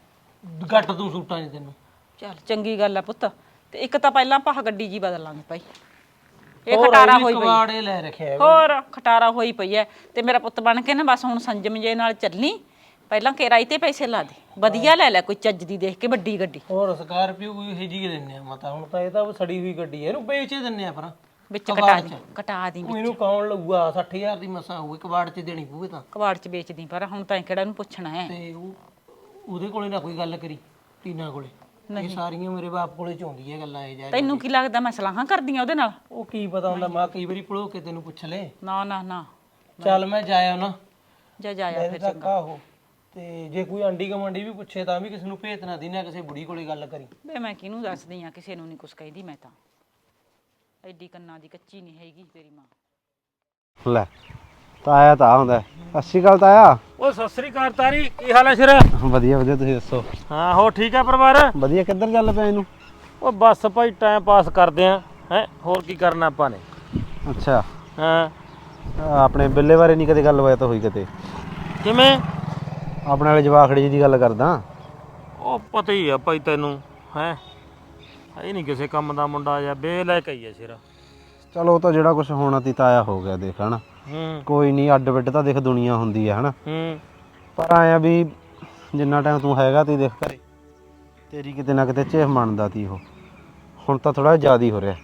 ਘੱਟ ਤੂੰ ਸੂਟਾਂ 'ਚ ਤੈਨੂੰ।
ਚੱਲ ਚੰਗੀ ਗੱਲ ਆ ਪੁੱਤ। ਤੇ ਇੱਕ ਤਾਂ ਪਹਿਲਾਂ ਆਪਾਂ ਗੱਡੀ ਜੀ ਬਦਲ ਲਾਂਗੇ ਭਾਈ, ਇਹ ਖਟਾਰਾ ਹੋਈ ਪਈ।
ਕਵਾੜੇ ਲੈ ਰੱਖਿਆ
ਹੋਰ ਖਟਾਰਾ ਹੋਈ ਪਈ ਐ। ਤੇ ਮੇਰਾ ਪੁੱਤ ਬਣ ਕੇ ਨਾ ਬਸ ਹੁਣ ਸੰਜਮ ਜੇ ਨਾਲ ਚੱਲੀ। ਪਹਿਲਾਂ ਕਿਰਾਏ ਤੇ ਪੈਸੇ ਲਾ ਦੇ, ਵਧੀਆ ਲੈ ਲੈ ਕੋਈ ਚੱਜ ਦੀ ਦੇਖ ਕੇ ਵੱਡੀ ਗੱਡੀ।
ਹੋਰ ਸਕਾਰਪੀਓ ਕੋਈ ਇਹ ਜੀ ਦਿੰਨੇ ਆ ਮਤਾ। ਹੁਣ ਤਾਂ ਇਹ ਤਾਂ ਸੜੀ ਹੋਈ ਗੱਡੀ ਐ, ਇਹਨੂੰ ਵੇਚ ਦਿੰਨੇ ਆ ਪਰ
ਵਿੱਚ ਕਟਾ ਦੀ
ਇਹਨੂੰ ਕੌਣ ਲਊਗਾ? 60,000 ਦੀ ਮਸਾਂ ਹੋਊ, ਕਬਾੜ 'ਚ ਦੇਣੀ ਪਊਗੇ ਤਾਂ।
ਕਬਾੜ 'ਚ ਵੇਚਦੀ, ਪਰ ਹੁਣ ਤਾਂ ਕਿਹੜਾ ਨੂੰ ਪੁੱਛਣਾ ਹੈ।
ਤੇ ਉਹਦੇ ਕੋਲੇ ਨਾ ਕੋਈ ਗੱਲ ਕਰੀ, ਟੀਨਾ ਕੋਲੇ। ਇਹ ਸਾਰੀਆਂ ਮੇਰੇ ਬਾਪ ਕੋਲੇ ਚ ਆਉਂਦੀ ਹੈ ਗੱਲਾਂ ਇਹ ਜਾ।
ਤੈਨੂੰ ਕੀ ਲੱਗਦਾ ਮੈਂ ਸਲਾਹਾਂ ਕਰਦੀ ਆ ਉਹਦੇ ਨਾਲ?
ਉਹ ਕੀ ਪਤਾ ਹੁੰਦਾ, ਮਾਂ ਕਈ ਵਾਰੀ ਭੁਲੋ ਕੇ ਤੈਨੂੰ ਪੁੱਛ ਲੈ।
ਨਾ ਨਾ ਨਾ,
ਚੱਲ ਮੈਂ ਜਾਇਆ ਨਾ
ਜਾਇਆ ਫਿਰ
ਤੱਕ ਆਹੋ। ਤੇ ਜੇ ਕੋਈ ਆਂਡੀ ਕਮਾਂਡੀ ਵੀ ਪੁੱਛੇ ਤਾਂ ਵੀ ਕਿਸੇ ਨੂੰ ਭੇਤ ਨਾ ਦੀ, ਨਾ ਕਿਸੇ ਬੁੜੀ ਕੋਲੇ ਗੱਲ ਕਰੀ।
ਵੇ ਮੈਂ ਕਿਹਨੂੰ ਦੱਸਦੀ ਆ, ਕਿਸੇ ਨੂੰ ਨਹੀਂ ਕੁਛ ਕਹਿੰਦੀ ਮੈਂ ਤਾਂ। ਐਡੀ ਕੰਨਾਂ ਦੀ ਕੱਚੀ ਨਹੀਂ ਹੈਗੀ ਤੇਰੀ ਮਾਂ।
ਲੈ ਤਾਇਆ ਤਾਂ ਹੁੰਦਾ। ਸਤਿ ਸ਼੍ਰੀ ਅਕਾਲ ਤਾਇਆ।
ਉਹ ਸਤਿ ਸ੍ਰੀ ਅਕਾਲ ਤਾਰੀ, ਕੀ ਹਾਲ ਹੈ ਸਿਰ?
ਵਧੀਆ ਵਧੀਆ, ਤੁਸੀਂ ਦੱਸੋ?
ਹਾਂ ਹੋ ਠੀਕ ਹੈ ਪਰਿਵਾਰ?
ਵਧੀਆ। ਕਿੱਧਰ ਚੱਲ ਪਿਆ ਇਹਨੂੰ?
ਉਹ ਬਸ ਭਾਈ ਟਾਈਮ ਪਾਸ ਕਰਦੇ ਆ ਹੈ, ਹੋਰ ਕੀ ਕਰਨਾ ਆਪਾਂ ਨੇ।
ਅੱਛਾ,
ਹਾਂ
ਆਪਣੇ ਬਿੱਲੇ ਬਾਰੇ ਨਹੀਂ ਕਦੇ ਗੱਲ ਹੋਇਆ ਤਾਂ ਹੋਈ ਕਿਤੇ?
ਕਿਵੇਂ?
ਆਪਣੇ ਵਾਲੇ ਜਵਾਖੜੀ ਜੀ ਦੀ ਗੱਲ ਕਰਦਾ।
ਉਹ ਪਤਾ ਹੀ ਆ ਭਾਈ ਤੈਨੂੰ ਹੈ, ਇਹ ਨਹੀਂ ਕਿਸੇ ਕੰਮ ਦਾ ਮੁੰਡਾ ਜਾਂ ਬੇ ਲੈ ਕੇ ਹੀ ਆ ਸਿਰ।
ਚਲੋ ਉਹ ਤਾਂ ਜਿਹੜਾ ਕੁਝ ਹੋਣਾ ਤੀ ਤਾਇਆ ਹੋ ਗਿਆ, ਦੇਖ ਹਨਾ। ਕੋਈ ਨਹੀਂ, ਅੱਡ ਬਿੱਡ ਤਾਂ ਦੇਖ ਦੁਨੀਆ ਹੁੰਦੀ ਹੈ ਹਨਾ। ਪਰ ਆਇਆ ਵੀ ਜਿੰਨਾ ਟਾਈਮ ਤੂੰ ਹੈਗਾ ਤੀ ਦੇਖ ਘਰੇ, ਤੇਰੀ ਕਿਤੇ ਨਾ ਕਿਤੇ ਝੇਹ ਮੰਨਦਾ ਤੀ ਉਹ। ਹੁਣ ਤਾਂ ਥੋੜਾ ਜ਼ਿਆਦਾ ਹੀ ਹੋ ਰਿਹਾ।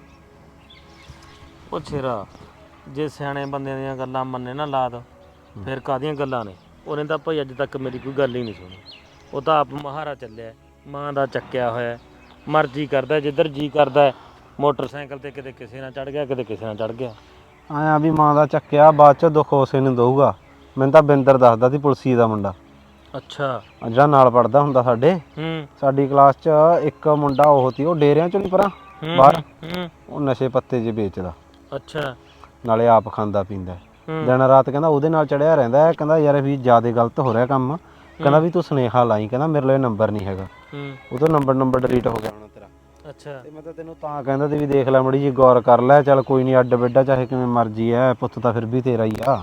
ਉਹ ਸਿਰਾ ਜੇ ਸਿਆਣੇ ਬੰਦਿਆਂ ਦੀਆਂ ਗੱਲਾਂ ਮੰਨੇ ਨਾ ਲਾਦ, ਫਿਰ ਕਾਹਦੀਆਂ ਗੱਲਾਂ ਨੇ। ਉਹਨੇ ਤਾਂ ਭਾਈ ਅੱਜ ਤੱਕ ਮੇਰੀ ਕੋਈ ਗੱਲ ਹੀ ਨਹੀਂ ਸੁਣੀ। ਉਹ ਤਾਂ ਆਪ ਮਹਾਰਾ ਚੱਲਿਆ, ਮਾਂ ਦਾ ਚੱਕਿਆ ਹੋਇਆ, ਮਰਜ਼ੀ ਕਰਦਾ ਜਿੱਧਰ ਜੀ ਕਰਦਾ। ਮੋਟਰਸਾਈਕਲ ਤੇ ਕਿਤੇ ਕਿਸੇ ਨਾਲ ਚੜ ਗਿਆ, ਕਿਤੇ ਕਿਸੇ ਨਾਲ ਚੜ ਗਿਆ।
ਆਇਆ ਵੀ ਮਾਂ ਦਾ ਚੱਕਿਆ, ਬਾਅਦ ਚ ਦੁੱਖ ਉਸੇ ਨੂੰ ਦਊਗਾ। ਮੈਨੂੰ ਤਾਂ ਬਿੰਦਰ ਦੱਸਦਾ ਸੀ, ਪੁਲਸੀ ਦਾ ਮੁੰਡਾ।
ਅੱਛਾ,
ਜਿਹੜਾ ਨਾਲ ਪੜਦਾ ਹੁੰਦਾ ਸਾਡੇ, ਸਾਡੀ ਕਲਾਸ ਚ ਇੱਕ ਮੁੰਡਾ ਉਹ ਸੀ, ਉਹ ਡੇਰਿਆਂ ਚੋਂ ਨਹੀਂ ਪਰਾਂ ਬਾਹਰ, ਉਹ ਨਸ਼ੇ ਪੱਤੇ ਜੇ ਵੇਚਦਾ।
ਅੱਛਾ,
ਨਾਲੇ ਆਪ ਖਾਂਦਾ ਪੀਂਦਾ, ਦਿਨ ਰਾਤ ਕਹਿੰਦਾ ਉਹਦੇ ਨਾਲ ਚੜਿਆ ਰਹਿੰਦਾ। ਕਹਿੰਦਾ ਯਾਰ ਵੀ ਜ਼ਿਆਦਾ ਗਲਤ ਹੋ ਰਿਹਾ ਕੰਮ, ਕਹਿੰਦਾ ਵੀ ਤੂੰ ਸੁਨੇਹਾ ਲਾਈ, ਕਹਿੰਦਾ ਮੇਰੇ ਲਈ ਨੰਬਰ ਨਹੀਂ ਹੈਗਾ। ਉਹਦਾ ਨੰਬਰ ਡਿਲੀਟ ਹੋ ਗਿਆ ਹੋਣਾ ਤੇਰਾ।
ਅੱਛਾ, ਤੇ
ਮੈਂ ਤਾਂ ਤੈਨੂੰ ਤਾਂ ਕਹਿੰਦਾ ਤੇ ਵੀ ਦੇਖ ਲੈ ਮੜੀ ਜੀ ਗੌਰ ਕਰ ਲੈ। ਚੱਲ ਕੋਈ ਨਹੀਂ, ਅੱਡ ਬਿੱਡਾ ਚਾਹੇ ਕਿਵੇਂ ਮਰਜੀ ਐ, ਪੁੱਤ ਤਾਂ ਫਿਰ ਵੀ ਤੇਰਾ ਹੀ ਆ।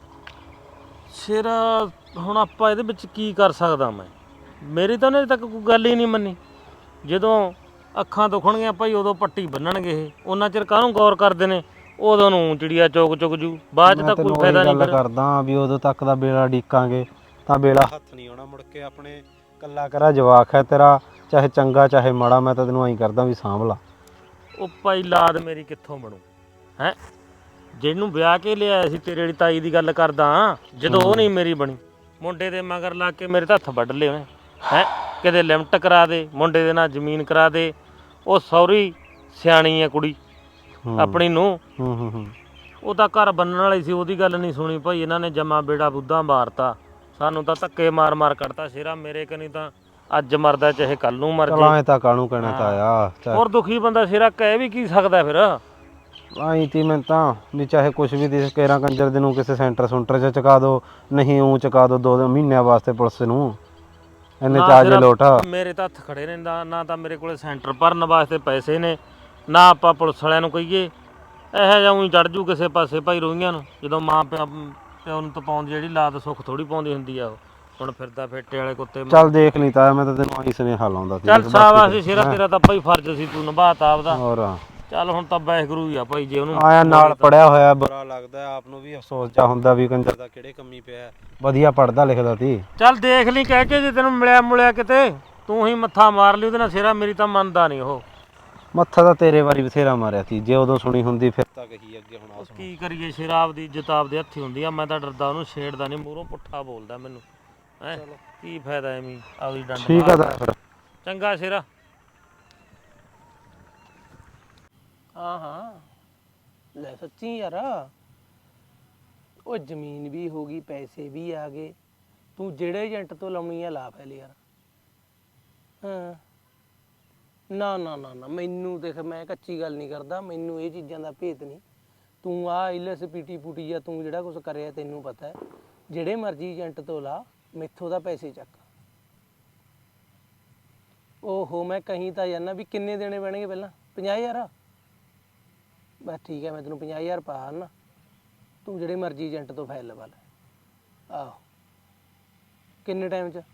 ਸਿਰ ਹੁਣ ਆਪਾਂ ਇਹਦੇ ਵਿੱਚ ਕੀ ਕਰ ਸਕਦਾ ਮੈਂ? ਮੇਰੀ ਤਾਂ ਉਹਨੇ ਅਜੇ ਤੱਕ ਕੋਈ ਗੱਲ ਹੀ ਨਹੀਂ ਮੰਨੀ। ਜਦੋਂ ਅੱਖਾਂ ਦੁਖਣਗੀਆਂ ਭਾਈ ਉਦੋਂ ਪੱਟੀ ਬੰਨਣਗੇ ਇਹ, ਉਹਨਾਂ ਚਿਰ ਕਾਹਨੂੰ ਗੌਰ ਕਰਦੇ ਨੇ? ਉਦੋਂ ਨੂੰ ਚਿੜੀਆ ਚੁਗ ਜੂ, ਬਾਅਦ ਚ ਤਾਂ ਕੋਈ ਫਾਇਦਾ ਨਹੀਂ।
ਗੱਲ ਕਰਦਾ ਵੀ ਉਦੋਂ ਤੱਕ ਦਾ ਵੇਲਾ ਡੀਕਾਂਗੇ ਤਾਂ ਵੇਲਾ ਹੱਥ ਨਹੀਂ ਆਉਣਾ ਮੁੜ ਕੇ ਆਪਣੇ। ਕੱਲਾ ਕਰਾ ਜਵਾਕ ਹੈ ਤੇਰਾ, ਚਾਹੇ ਚੰਗਾ ਚਾਹੇ ਮਾੜਾ। ਮੈਂ ਤਾਂ ਤੈਨੂੰ ਐਂ ਕਰਦਾ ਵੀ ਸਾਂਭ ਲਾ।
ਉਹ ਭਾਈ ਲਾਦ ਮੇਰੀ ਕਿੱਥੋਂ ਬਣੂ ਹੈ? ਜਿਹਨੂੰ ਵਿਆਹ ਕੇ ਲਿਆਇਆ ਸੀ, ਤੇਰੇ ਵਾਲੀ ਤਾਈ ਦੀ ਗੱਲ ਕਰਦਾ, ਜਦੋਂ ਉਹ ਨਹੀਂ ਮੇਰੀ ਬਣੀ, ਮੁੰਡੇ ਦੇ ਮਗਰ ਲਾ ਕੇ ਮੇਰੇ ਤਾਂ ਹੱਥ ਵੱਢ ਲਏ ਉਹਨੇ ਹੈ। ਕਿਤੇ ਲਿਮਟ ਕਰਾ ਦੇ, ਮੁੰਡੇ ਦੇ ਨਾਲ ਜ਼ਮੀਨ ਕਰਾ ਦੇ। ਉਹ ਸੌਰੀ ਸਿਆਣੀ ਹੈ ਕੁੜੀ ਆਪਣੀ ਨੂੰ, ਉਹ ਤਾਂ ਘਰ ਬੰਨਣ ਵਾਲੀ ਸੀ, ਉਹਦੀ ਗੱਲ ਨਹੀਂ ਸੁਣੀ ਭਾਈ। ਇਹਨਾਂ ਨੇ ਜਮਾ ਬੇੜਾ ਬੁੱਧਾ ਮਾਰਤਾ, ਸਾਨੂੰ ਤਾਂ ਧੱਕੇ ਮਾਰ ਮਾਰ ਕੱਢਤਾ। ਸ਼ੇਰਾ ਮੇਰੇ ਕਨੀ ਤਾਂ ਅੱਜ ਮਰਦਾ ਚਾਹੇ ਕੱਲ ਨੂੰ ਮਰ
ਜਾਏ। ਤਾਂ ਕਾਹਨੂੰ ਕਹਿਣਾ ਤਾਇਆ,
ਹੋਰ ਦੁਖੀ ਬੰਦਾ ਸ਼ੇਰਾ ਕਹਿ ਵੀ ਕੀ ਸਕਦਾ ਫਿਰ।
ਆਈ ਤੀ ਮੈਂ ਤਾਂ ਵੀ ਚਾਹੇ ਕੁਛ ਵੀ ਦੇ ਕੇਰਾਂ ਕੰਜਰ ਦੇ ਨੂੰ ਕਿਸੇ ਸੈਂਟਰ ਸੁੰਟਰ 'ਚ ਚੁਕਾ ਦੋ, ਨਹੀਂ ਊਂ ਚੁਕਾ ਦੋ 2 ਮਹੀਨਿਆਂ ਵਾਸਤੇ ਪੁਲਿਸ ਨੂੰ। ਇੰਨੇ ਚਾਰਜ ਲੋਟ
ਮੇਰੇ ਤਾਂ ਹੱਥ ਖੜੇ ਨੇ, ਨਾ ਤਾਂ ਮੇਰੇ ਕੋਲੇ ਸੈਂਟਰ ਭਰਨ ਵਾਸਤੇ ਪੈਸੇ ਨੇ, ਨਾ ਆਪਾਂ ਪੁਲਿਸ ਵਾਲਿਆਂ ਨੂੰ ਕਹੀਏ। ਇਹੋ ਜਿਹਾ ਊਂ ਚੜ ਜੂ ਕਿਸੇ ਪਾਸੇ ਭਾਈ ਰੋਈਆਂ ਨੂੰ। ਜਦੋਂ ਮਾਂ ਪਿਓ ਨੂੰ ਤਪਾਉਂਦੀ ਜਿਹੜੀ ਲਾਦ ਸੁੱਖ ਥੋੜੀ ਪਾਉਂਦੀ ਹੁੰਦੀ ਆ। ਉਹ ਹੁਣ ਫਿਰਦਾ ਫੇਟੇ ਵਾਲੇ ਕੁੱਤੇ।
ਚੱਲ ਦੇਖ ਲਈ ਤਾਇਆ, ਮੈਂ ਤਾਂ ਤੈਨੂੰ ਆਹੀ ਸੁਨੇਹਾ ਲਾਉਂਦਾ ਸੀ।
ਚੱਲ ਸ਼ਾਬਾਸ਼ ਸ਼ੇਰਾ, ਤੇਰਾ ਤਾਂ ਭਾਈ ਫਰਜ਼ ਸੀ, ਤੂੰ ਨਿਭਾਤਾ ਆਪਦਾ।
ਹੋਰ
ਚੱਲ ਹੁਣ ਤਾਂ ਵਾਹਿਗੁਰੂ ਹੀ ਆ ਭਾਈ। ਜੇ ਉਹਨੂੰ
ਆਇਆ ਨਾਲ ਪੜਿਆ ਹੋਇਆ, ਬੁਰਾ ਲੱਗਦਾ ਆਪ ਨੂੰ ਵੀ, ਅਫਸੋਸ ਜਾ ਹੁੰਦਾ ਵੀ ਕੰਜਰ ਦਾ ਕਿਹੜੇ ਕੰਮੀ ਪਿਆ। ਵਧੀਆ ਪੜਦਾ ਲਿਖਦਾ ਸੀ।
ਚੱਲ ਦੇਖ ਲਈ ਕਹਿ ਕੇ, ਜੇ ਤੈਨੂੰ ਮਿਲਿਆ ਮੁਲਿਆ ਕਿਤੇ ਤੂੰ ਹੀ ਮੱਥਾ ਮਾਰ ਲਈ ਉਹਦੇ ਨਾਲ ਸਿਰਾ, ਮੇਰੀ ਤਾਂ ਮੰਨਦਾ ਨਹੀਂ ਉਹ।
ਮੱਥਾ ਤਾਂ ਤੇਰੇ ਵਾਰੀ ਬਥੇਰਾ ਮਾਰਿਆ ਸੀ, ਜੇ ਉਦੋਂ ਸੁਣੀ ਹੁੰਦੀ ਫਿਰ ਤਾਂ ਕਹੀ ਅੱਗੇ ਹੁਣ ਆ ਸੁਣ।
ਕੀ ਕਰੀਏ, ਸ਼ਰਾਬ ਦੀ ਜਿਤਾਬ ਦੇ ਹੱਥੀ ਹੁੰਦੀ ਆ। ਮੈਂ ਤਾਂ ਡਰਦਾ ਉਹਨੂੰ, ਛੇੜਦਾ ਨਹੀਂ, ਮੂਹਰੋਂ ਪੁੱਠਾ ਬੋਲਦਾ ਮੈਨੂੰ। ਹੈ ਕੀ ਫਾਇਦਾ ਐਵੇਂ ਆਪਦੀ ਡੰਡ
ਠੀਕ ਆ ਤਾਂ ਫਿਰ।
ਚੰਗਾ ਸ਼ੇਰਾ।
ਹਾਂ ਹਾਂ ਲੈ ਸੱਚੀ ਯਾਰ, ਉਹ ਜ਼ਮੀਨ ਵੀ ਹੋ ਗਈ, ਪੈਸੇ ਵੀ ਆ ਗਏ, ਤੂੰ ਜਿਹੜੇ ਏਜੰਟ ਤੋਂ ਲਾਉਣੀ ਆ ਲਾ ਪਹਿਲੇ ਯਾਰ। ਹਾਂ ਨਾ ਨਾ ਨਾ ਨਾ, ਮੈਨੂੰ ਦੇਖ ਮੈਂ ਕੱਚੀ ਗੱਲ ਨਹੀਂ ਕਰਦਾ, ਮੈਨੂੰ ਇਹ ਚੀਜ਼ਾਂ ਦਾ ਭੇਤ ਨਹੀਂ। ਤੂੰ ਆ ਇਲਸ ਪੀਟੀ ਪੂਟੀ ਜਾਂ ਤੂੰ ਜਿਹੜਾ ਕੁਝ ਕਰਿਆ ਤੈਨੂੰ ਪਤਾ ਹੈ। ਜਿਹੜੇ ਮਰਜ਼ੀ ਏਜੰਟ ਤੋਂ ਲਾ, ਮੈਥੋਂ ਦਾ ਪੈਸੇ ਚੱਕ। ਓਹੋ ਮੈਂ ਕਹੀਂ ਤਾਂ ਜਾਨਾ ਵੀ ਕਿੰਨੇ ਦੇਣੇ ਪੈਣਗੇ ਪਹਿਲਾਂ? 50,000? ਬਸ ਠੀਕ ਹੈ, ਮੈਂ ਤੈਨੂੰ 50,000 ਪਾ ਨਾ, ਤੂੰ ਜਿਹੜੇ ਮਰਜ਼ੀ ਏਜੰਟ ਤੋਂ ਫਾਈਲ ਲਵਾ ਲੈ। ਆਹੋ ਕਿੰਨੇ ਟਾਈਮ 'ਚ?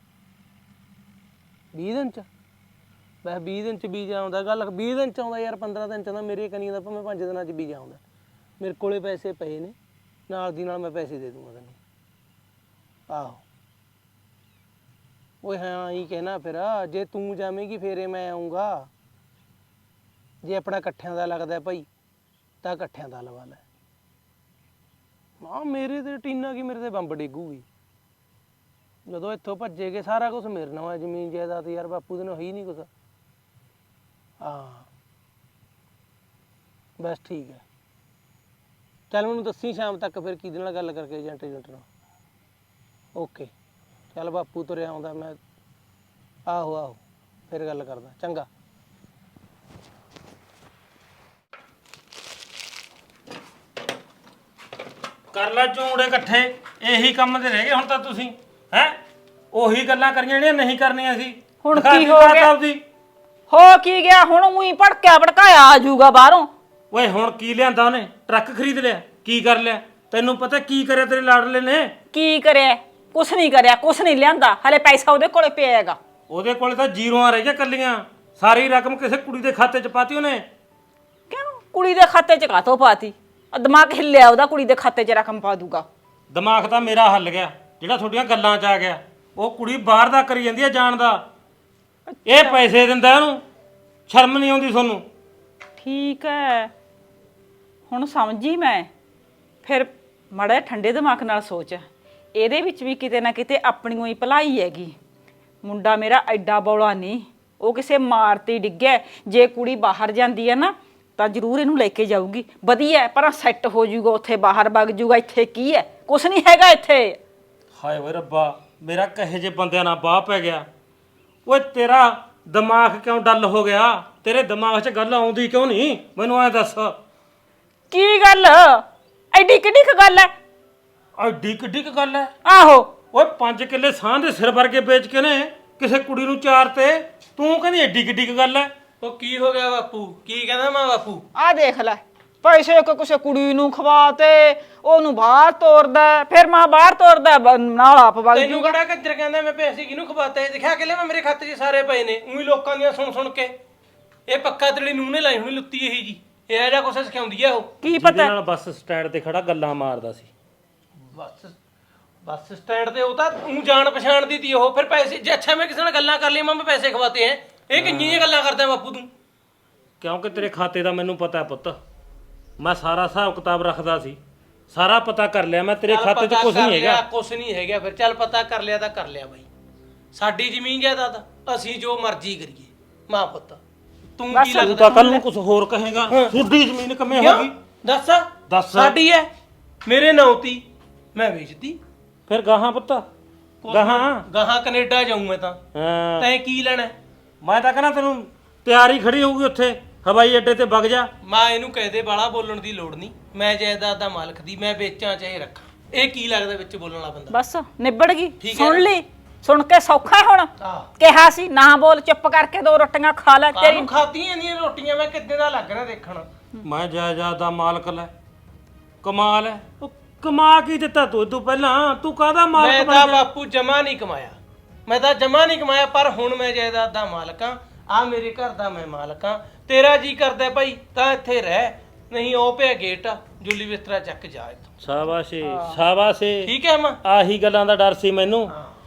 20 ਦਿਨ 'ਚ? ਬਸ 20 ਦਿਨ 'ਚ ਵੀਜ਼ਾ ਆਉਂਦਾ? ਗੱਲ 20 ਦਿਨ 'ਚ ਆਉਂਦਾ ਯਾਰ, 15 ਦਿਨ 'ਚ ਆਉਂਦਾ। ਮੇਰੇ ਕਨੀਆਂ ਦਾ ਭਾਵੇਂ 5 ਦਿਨਾਂ 'ਚ ਵੀਜ਼ਾ ਆਉਂਦਾ। ਮੇਰੇ ਕੋਲੇ ਪੈਸੇ ਪਏ ਨੇ, ਨਾਲ ਦੀ ਨਾਲ ਮੈਂ ਪੈਸੇ ਦੇ ਦੂੰਗਾ ਤੈਨੂੰ। ਆਹੋ ਓਏ ਹਾਂ ਹੀ ਕਹਿਣਾ ਫਿਰ, ਜੇ ਤੂੰ ਜਾਵੇਂਗੀ ਫੇਰੇ ਮੈਂ ਆਉਂਗਾ। ਜੇ ਆਪਣਾ ਇਕੱਠਿਆਂ ਦਾ ਲੱਗਦਾ ਭਾਈ ਤਾਂ ਇਕੱਠਿਆਂ ਦਾ ਲਵਾ ਲੈ। ਹਾਂ ਮੇਰੇ ਤੇ ਟੀਨਾ ਕੀ, ਮੇਰੇ ਤੇ ਬੰਬ ਡਿੱਗੂਗੀ ਜਦੋਂ ਇੱਥੋਂ ਭੱਜੇਗੇ। ਸਾਰਾ ਕੁਝ ਮੇਰੇ ਨਾਲ ਹੈ, ਜ਼ਮੀਨ ਜਾਇਦਾਦ ਯਾਰ, ਬਾਪੂ ਦੇ ਨਾਲ ਹੀ ਨਹੀਂ ਕੁਛ। ਹਾਂ ਬਸ ਠੀਕ ਹੈ, ਚੱਲ ਮੈਨੂੰ ਦੱਸੀ ਸ਼ਾਮ ਤੱਕ ਫਿਰ ਕਿਹਦੇ ਨਾਲ ਗੱਲ ਕਰਕੇ ਏਜੰਟ ਨਾਲ। ਓਕੇ ਚੱਲ ਬਾਪੂ ਤੁਰਿਆ ਆਉਂਦਾ ਮੈਂ। ਆਹੋ ਆਹੋ ਫਿਰ ਗੱਲ ਕਰਦਾ, ਚੰਗਾ।
ਕਰ ਲੈ ਝੂੜੇ ਇਕੱਠੇ, ਇਹੀ ਕੰਮ ਤੇ ਰਹਿ ਗਏ ਹੁਣ ਤਾਂ ਤੁਸੀਂ। ਹੈ ਉਹੀ ਗੱਲਾਂ ਕਰੀਆਂ ਜਿਹੜੀਆਂ ਨਹੀਂ ਕਰਨੀਆਂ ਸੀ।
ਹੁਣ
ਦਿਖਾ
ਕੀ
ਦੀ
ਹੋ
ਬਾਤ
ਗਿਆ?
ਆਪਦੀ।
ਹੋ ਕੀ ਗਿਆ ਹੁਣ? ਉਹੀ ਭੜਕਿਆ ਭੜਕਾਇਆ ਆ ਜਾਊਗਾ ਬਾਹਰੋਂ।
ਓਏ ਹੁਣ ਕੀ ਲਿਆਂਦਾ ਉਹਨੇ? ਟਰੱਕ ਖਰੀਦ ਲਿਆ? ਕੀ ਕਰ ਲਿਆ? ਤੈਨੂੰ ਪਤਾ ਕੀ ਕਰਿਆ ਤੇਰੇ ਲਾਡਲੇ ਨੇ?
ਕੀ ਕਰਿਆ? ਕੁਛ ਨਹੀਂ ਕਰਿਆ, ਕੁਛ ਨਹੀਂ ਲਿਆਂਦਾ। ਹਲੇ ਪੈਸਾ ਉਹਦੇ ਕੋਲੇ ਪਿਆ ਹੈਗਾ।
ਉਹਦੇ ਕੋਲੇ ਤਾਂ ਜ਼ੀਰੋਆਂ ਰਹਿ ਗਿਆ ਕੱਲੀਆਂ। ਸਾਰੀ ਰਕਮ ਕਿਸੇ ਕੁੜੀ ਦੇ ਖਾਤੇ 'ਚ ਪਾਤੀ ਉਹਨੇ।
ਕਿਉਂ? ਕੁੜੀ ਦੇ ਖਾਤੇ 'ਚ ਕਾਹਤੋਂ ਪਾਤੀ? ਦਿਮਾਗ ਹਿੱਲਿਆ ਉਹਦਾ, ਕੁੜੀ ਦੇ ਖਾਤੇ 'ਚ ਰਕਮ ਪਾ ਦੂਗਾ।
ਦਿਮਾਗ ਤਾਂ ਮੇਰਾ ਹੱਲ ਗਿਆ, ਜਿਹੜਾ ਤੁਹਾਡੀਆਂ ਗੱਲਾਂ 'ਚ ਆ ਗਿਆ। ਉਹ ਕੁੜੀ ਬਾਹਰ ਦਾ ਕਰੀ ਜਾਂਦੀ ਹੈ ਜਾਣ ਦਾ, ਇਹ ਪੈਸੇ ਦਿੰਦਾ ਉਹਨੂੰ। ਸ਼ਰਮ ਨਹੀਂ ਆਉਂਦੀ ਤੁਹਾਨੂੰ?
ਠੀਕ ਹੈ, ਹੁਣ ਸਮਝੀ ਮੈਂ। ਫਿਰ ਮਾੜਾ ਜਿਹਾ ਠੰਡੇ ਦਿਮਾਗ ਨਾਲ ਸੋਚ, ਇਹਦੇ ਵਿੱਚ ਵੀ ਕਿਤੇ ਨਾ ਕਿਤੇ ਆਪਣੀ ਹੀ ਭਲਾਈ ਹੈਗੀ। ਮੁੰਡਾ ਮੇਰਾ ਐਡਾ ਬੌਲਾ ਨਹੀਂ, ਉਹ ਕਿਸੇ ਮਾਰ ਤੇ ਡਿੱਗਿਆ। ਜੇ ਕੁੜੀ ਬਾਹਰ ਜਾਂਦੀ ਹੈ ਨਾ ਤਾਂ ਜ਼ਰੂਰ ਇਹਨੂੰ ਲੈ ਕੇ ਜਾਊਗੀ, ਵਧੀਆ, ਪਰ ਸੈੱਟ ਹੋ ਜਾਊਗਾ ਉੱਥੇ, ਬਾਹਰ ਵਗ ਜਾਊਗਾ। ਇੱਥੇ ਕੀ ਹੈ? ਕੁਛ ਨਹੀਂ ਹੈਗਾ ਇੱਥੇ।
ਹਾਏ ਓਏ ਰੱਬਾ, ਮੇਰਾ ਕਹੇ ਜੇ ਬੰਦਿਆਂ ਨਾਲ ਬਾਹ ਪੈ ਗਿਆ। ਓਏ ਤੇਰਾ ਦਿਮਾਗ ਕਿਉਂ ਡੱਲ ਹੋ ਗਿਆ? ਤੇਰੇ ਦਿਮਾਗ 'ਚ ਗੱਲ ਆਉਂਦੀ ਕਿਉਂ ਨਹੀਂ? ਮੈਨੂੰ ਐ ਦੱਸ।
ਕੀ ਗੱਲ? ਐਡੀ ਕਿੱਡੀ ਕੁ ਗੱਲ ਹੈ?
ਐਡੀ ਕਿੱਡੀ ਕੁ ਗੱਲ ਐ?
ਆਹੋ
ਓਏ 5 ਕਿੱਲੇ ਸਾਹ ਦੇ ਸਿਰ ਵਰਗੇ ਵੇਚ ਕੇ ਨੇ ਕਿਸੇ ਕੁੜੀ ਨੂੰ ਚਾਰ ਤੇ, ਤੂੰ ਕਹਿੰਦੀ ਐਡੀ ਕਿੱਡੀ ਕੁ ਗੱਲ ਐ?
ਉਹ ਕੀ ਹੋ ਗਿਆ ਬਾਪੂ? ਕੀ ਕਹਿੰਦਾ ਮੈਂ ਬਾਪੂ?
ਆਹ ਦੇਖ ਲੈ, ਪੈਸੇ ਕਿਸੇ ਕੁੜੀ ਨੂੰ ਖਵਾ ਤੇ ਉਹਨੂੰ ਬਾਹਰ ਤੋਰਦਾ, ਫਿਰ ਮੈਂ ਬਾਹਰ ਤੋਰਦਾ ਨਾਲ ਆਪ ਵਗ
ਤੈਨੂੰ
ਜੂਗਾ।
ਕਿਹੜਾ ਕੰਜਰ ਕਹਿੰਦਾ ਮੈਂ ਪੈਸੇ ਕਿਹਨੂੰ ਖਵਾਤੇ? ਦਿਖਾ ਕੇ ਲੈ, ਮੈਂ ਮੇਰੇ ਖਾਤੇ 'ਚ ਸਾਰੇ ਪਏ ਨੇ। ਉਹੀ ਲੋਕਾਂ ਦੀਆਂ ਸੁਣ ਸੁਣ ਕੇ ਇਹ ਪੱਕਾ ਤੇਰੀ ਨੂੰਹ ਨੇ ਲਾਈ ਹੋਣੀ ਲੁੱਤੀ ਇਹੀ ਜੀ। ਇਹ ਜਿਹਾ ਕੁਛ ਸਿਖਾਉਂਦੀ ਆ ਉਹ।
ਕੀ
ਜਿਹਦੇ
ਪਤਾ?
ਨਾਲ ਬੱਸ ਸਟੈਂਡ ਤੇ ਖੜਾ ਗੱਲਾਂ ਮਾਰਦਾ ਸੀ।
ਬੱਸ ਸਟੈਂਡ ਤੇ ਉਹ ਤਾਂ ਤੂੰ ਜਾਣ ਪਛਾਣ ਦੀ ਤੀ ਉਹ। ਫਿਰ ਪੈਸੇ ਜੇ ਅੱਛਾ ਮੈਂ ਕਿਸੇ ਨਾਲ ਗੱਲਾਂ ਕਰ ਲਈ, ਮੈਂ ਪੈਸੇ ਖਵਾਤੇ ਹੈ। ਇਹ ਕਿੰਨੀਆਂ ਗੱਲਾਂ ਕਰਦਾ ਬਾਪੂ ਤੂੰ?
ਕਿਉਂਕਿ ਤੇਰੇ ਖਾਤੇ ਦਾ ਮੈਨੂੰ ਪਤਾ ਪੁੱਤ, ਮੈਂ ਸਾਰਾ ਹਿਸਾਬ ਕਿਤਾਬ ਰੱਖਦਾ ਸੀ, ਸਾਰਾ ਪਤਾ ਕਰ ਲਿਆ ਮੈਂ। ਤੇਰੇ ਖਾਤੇ 'ਚ ਕੁਝ ਨਹੀਂ ਹੈਗਾ।
ਕੁਛ ਨਹੀਂ ਹੈਗਾ। ਫਿਰ ਚੱਲ ਪਤਾ ਕਰ ਲਿਆ ਤਾਂ ਕਰ ਲਿਆ ਬਾਈ। ਸਾਡੀ ਜ਼ਮੀਨ ਜਾਇਦਾਦ, ਅਸੀਂ ਜੋ ਮਰਜ਼ੀ ਕਰੀਏ। ਮਾਂ ਪੁੱਤ ਤੂੰ ਕੀ
ਤੂੰ
ਲੱਗਦਾ?
ਤਾਂ ਕੱਲ ਨੂੰ ਕੁਝ ਹੋਰ ਕਹੇਗਾ। ਤੁਹਾਡੀ ਜ਼ਮੀਨ ਕਿਵੇਂ ਹੋ ਗਈ?
ਦੱਸ
ਦੱਸ।
ਸਾਡੀ ਹੈ, ਮੇਰੇ ਨਾਂ ਤੀ, ਮੈਂ ਵੇਚਤੀ।
ਫਿਰ ਗਾਹਾਂ ਪੁੱਤ, ਗਾਹਾਂ
ਗਾਹਾਂ ਕੈਨੇਡਾ ਜਾਊਂ ਮੈਂ ਤਾਂ।
ਹਾਂ,
ਤੈਂ ਕੀ ਲੈਣਾ?
ਮੈਂ ਤਾਂ ਕਹਿੰਦਾ ਤੈਨੂੰ ਤਿਆਰੀ ਖੜੀ ਹੋਊਗੀ ਉੱਥੇ ਹਵਾਈ ਅੱਡੇ ਤੇ ਵਗ ਜਾ।
ਮਾਂ ਇਹਨੂੰ ਕਹਦੇ ਬਾਲਾ ਬੋਲਣ ਦੀ ਲੋੜ ਨਹੀਂ। ਮੈਂ ਜਾਇਦਾਦ ਦਾ ਮਾਲਕ ਦੀ, ਮੈਂ ਵੇਚਾਂ ਚਾਹੇ ਰੱਖਾਂ। ਇਹ ਕੀ ਲੱਗਦਾ ਵਿੱਚ ਬੋਲਣ ਵਾਲਾ ਬੰਦਾ?
ਬਸ ਨਿਬੜ ਗਈ।
ਠੀਕ ਹੈ
ਸੁਣ
ਨਾ?
ਲਈ, ਸੁਣ ਕੇ ਸੌਖਾ ਹੈ ਹੁਣ।
ਆਹ
ਕਿਹਾ ਸੀ ਨਾ ਬੋਲ, ਚੁੱਪ ਕਰਕੇ 2 ਰੋਟੀਆਂ ਖਾ ਲੈ। ਤੇਰੀ
ਕਾਹਨੂੰ ਖਾਤੀਆਂ ਇੰਨੀਆਂ ਰੋਟੀਆਂ? ਮੈਂ ਕਿੱਦਾਂ ਦਾ ਲੱਗ ਰਿਹਾ ਦੇਖਣ?
ਮੈਂ ਜਾਇਦਾਦ ਦਾ ਮਾਲਕ ਲੈ, ਕਮਾਲ ਹੈ। ਉਹ ਕਮਾ ਕੀ ਦਿੱਤਾ ਤੂੰ ਪਹਿਲਾਂ? ਤੂੰ ਕਾਹਦਾ
ਮੈਂ
ਮਾਲਕ
ਤਾਂ
ਬਣ ਗਿਆ?
ਬਾਪੂ ਜਮਾ ਨਹੀਂ ਕਮਾਇਆ, ਮੈਂ ਤਾਂ ਜਮਾ ਨਹੀਂ ਕਮਾਇਆ। ਪਰ ਹੁਣ ਮੈਂ ਜਾਇਦਾਦ ਦਾ ਮਾਲਕ ਆ, ਆ ਮੇਰੇ ਘਰ ਦਾ ਮੈਂ ਮਾਲਕ ਆ। ਤੇਰਾ ਜੀ ਕਰਦਾ ਭਾਈ ਤਾਂ ਇੱਥੇ ਰਹਿ, ਨਹੀਂ ਉਹ ਪਿਆ ਗੇਟ ਆ, ਜੁੱਲੀ ਬਿਸਤਰਾ ਚੱਕ ਜਾ ਇੱਥੋਂ।
ਸ਼ਾਬਾਸ਼ੇ ਸ਼ਾਬਾਸ਼ੇ।
ਠੀਕ ਹੈ ਮਾਂ?
ਆਹੀ ਗੱਲਾਂ ਦਾ ਡਰ ਸੀ ਮੈਨੂੰ।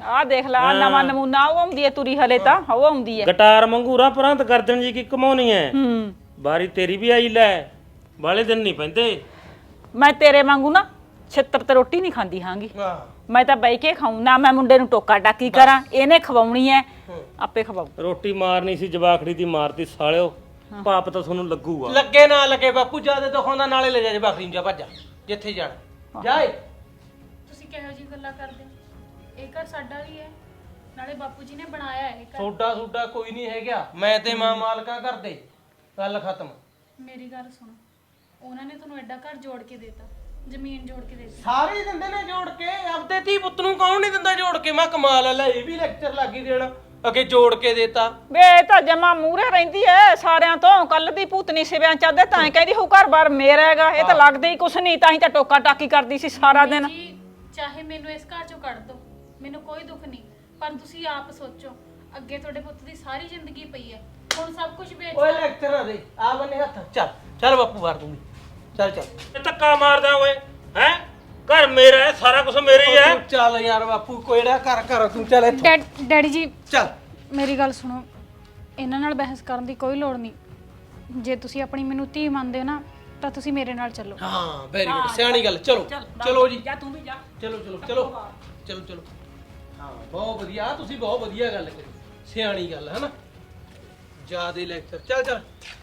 ਆਹ ਦੇਖ ਲਾ ਨਵਾਂ ਨਮੂਨਾ ਉਹ ਆਉਂਦੀ ਹੈ ਤੁਰੀ ਹਲੇ ਤਾਂ ਉਹ ਆਉਂਦੀ ਹੈ
ਗਟਾਰ ਮੰਗੂਰਾ ਪਰੰਤ ਗਰਦਨ ਜੀ ਕੀ ਕਮਾਉਣੀ ਐ
ਹੂੰ
ਬਾਰੀ ਤੇਰੀ ਵੀ ਆਈ ਲੈ ਵਾਲੇ ਦਿਨ ਨਹੀਂ ਪੈਂਦੇ
ਮੈਂ ਤੇਰੇ ਵਾਂਗੂ ਨਾ ਛਿੱਤਰ ਤੇ ਰੋਟੀ ਨਹੀਂ ਖਾਂਦੀ ਹਾਂਗੀ
ਹਾਂ
ਮੈਂ ਤਾਂ ਬਹਿ ਕੇ ਖਾਉਂ ਨਾ ਮੈਂ ਮੁੰਡੇ ਨੂੰ ਟੋਕਾ ਟਾਕੀ ਕਰਾਂ ਇਹਨੇ ਖਵਾਉਣੀ ਐ ਆਪੇ ਖਵਾਉ
ਰੋਟੀ ਮਾਰਨੀ ਸੀ ਜਵਾਖੜੀ ਦੀ ਮਾਰਤੀ ਸਾਲਿਓ ਪਾਪ ਤਾਂ ਤੁਹਾਨੂੰ ਲੱਗੂਗਾ
ਲੱਗੇ ਨਾ ਲੱਗੇ ਬਾਪੂ ਜਿਆਦਾ ਦਿਖਾਉਂਦਾ ਨਾਲੇ ਲੈ ਜਾ ਬੱਕਰੀ ਨੂੰ ਜਾ ਭੱਜ ਜਾ ਜਿੱਥੇ ਜਾਣਾ ਜਾਏ
ਤੁਸੀਂ ਕਿਹੋ ਜੀ ਗੱਲਾਂ ਕਰਦੇ ਹੋ ਇਹ ਘਰ ਸਾਡਾ ਵੀ ਹੈ ਨਾਲੇ ਬਾਪੂ ਜੀ ਨੇ ਬਣਾਇਆ ਇਹ ਘਰ
ਸੋਡਾ ਕੋਈ ਨਹੀਂ ਹੈਗਾ ਮੈਂ ਤੇ ਮਾਂ ਮਾਲਕਾਂ ਕਰਦੇ ਗੱਲ ਖਤਮ
ਮੇਰੀ ਗੱਲ ਸੁਣੋ ਉਹਨਾਂ ਨੇ ਤੁਹਾਨੂੰ ਐਡਾ ਘਰ ਜੋੜ ਕੇ ਦਿੱਤਾ ਜ਼ਮੀਨ ਜੋੜ ਕੇ ਦਿੱਤੀ
ਸਾਰੇ ਹੀ ਦਿੰਦੇ ਨੇ ਜੋੜ ਕੇ ਆਪਦੇ ਧੀ ਪੁੱਤ ਨੂੰ ਕੌਣ ਨਹੀਂ ਦਿੰਦਾ ਜੋੜ ਕੇ ਮੈਂ ਕਮਾਲ ਲੈ ਇਹ ਵੀ ਲੈਕਚਰ ਲੱਗੀ ਦੇਣ ਅਗੇ ਜੋੜ ਕੇ ਦੇਤਾ
ਵੇ ਇਹ ਤਾਂ ਜਮਾ ਮੂਹਰੇ ਰਹਿੰਦੀ ਐ ਸਾਰਿਆਂ ਤੋਂ ਕੱਲ ਦੀ ਭੂਤਨੀ ਸਿਵਿਆਂ ਚਾਹਦੇ ਤਾਂ ਕਹਿੰਦੀ ਹੋ ਘਰ-ਬਾਰ ਮੇਰਾ ਹੈਗਾ ਇਹ ਤਾਂ ਲੱਗਦਾ ਹੀ ਕੁਛ ਨਹੀਂ ਤਾਂ ਹੀ ਤਾਂ ਟੋਕਾ ਟਾਕੀ ਕਰਦੀ ਸੀ ਸਾਰਾ ਦਿਨ
ਜੀ ਚਾਹੇ ਮੈਨੂੰ ਇਸ ਘਰ ਚੋਂ ਕੱਢ ਦਿਓ ਮੈਨੂੰ ਕੋਈ ਦੁੱਖ ਨਹੀਂ ਪਰ ਤੁਸੀਂ ਆਪ ਸੋਚੋ ਅੱਗੇ ਤੁਹਾਡੇ ਪੁੱਤ ਦੀ ਸਾਰੀ ਜ਼ਿੰਦਗੀ ਪਈ ਹੈ ਹੁਣ ਸਭ ਕੁਝ ਵੇਚ
ਓਏ ਲੈਕਚਰ ਨਾ ਦੇ ਆ ਬੰਨੇ ਹੱਥ ਚੱਲ ਬਾਪੂ ਮਾਰ ਦੂੰਗੀ ਚੱਲ
ਇਹ ਧੱਕਾ ਮਾਰਦਾ ਓਏ ਹੈ ਘਰ ਮੇਰਾ ਹੈ ਸਾਰਾ ਕੁਝ ਮੇਰੇ ਹੀ ਹੈ
ਤੂੰ ਚੱਲ ਯਾਰ ਬਾਪੂ ਕੋਇੜਾ ਕਰ ਤੂੰ ਚੱਲ ਇੱਥੋਂ
ਡੈਡੀ ਜੀ
ਚੱਲ
ਮੇਰੀ ਗੱਲ ਸੁਣੋ ਇਹਨਾਂ ਨਾਲ ਬਹਿਸ ਕਰਨ ਦੀ ਕੋਈ ਲੋੜ ਨਹੀਂ ਜੇ ਤੁਸੀਂ ਆਪਣੀ ਮੈਨੂੰ ਧੀ ਮੰਨਦੇ ਹੋ ਨਾ ਤਾਂ ਤੁਸੀਂ ਮੇਰੇ ਨਾਲ ਚੱਲੋ
ਹਾਂ ਵੈਰੀ ਗੁੱਡ ਸਿਆਣੀ ਗੱਲ ਚਲੋ ਜੀ
ਜਾ ਤੂੰ ਵੀ ਜਾ
ਚਲੋ ਹਾਂ ਬਹੁਤ ਵਧੀਆ ਤੁਸੀਂ ਬਹੁਤ ਵਧੀਆ ਗੱਲ ਕਰੀ ਸਿਆਣੀ ਗੱਲ ਹੈ ਨਾ ਜਿਆਦੇ ਲੈਕਚਰ ਚੱਲ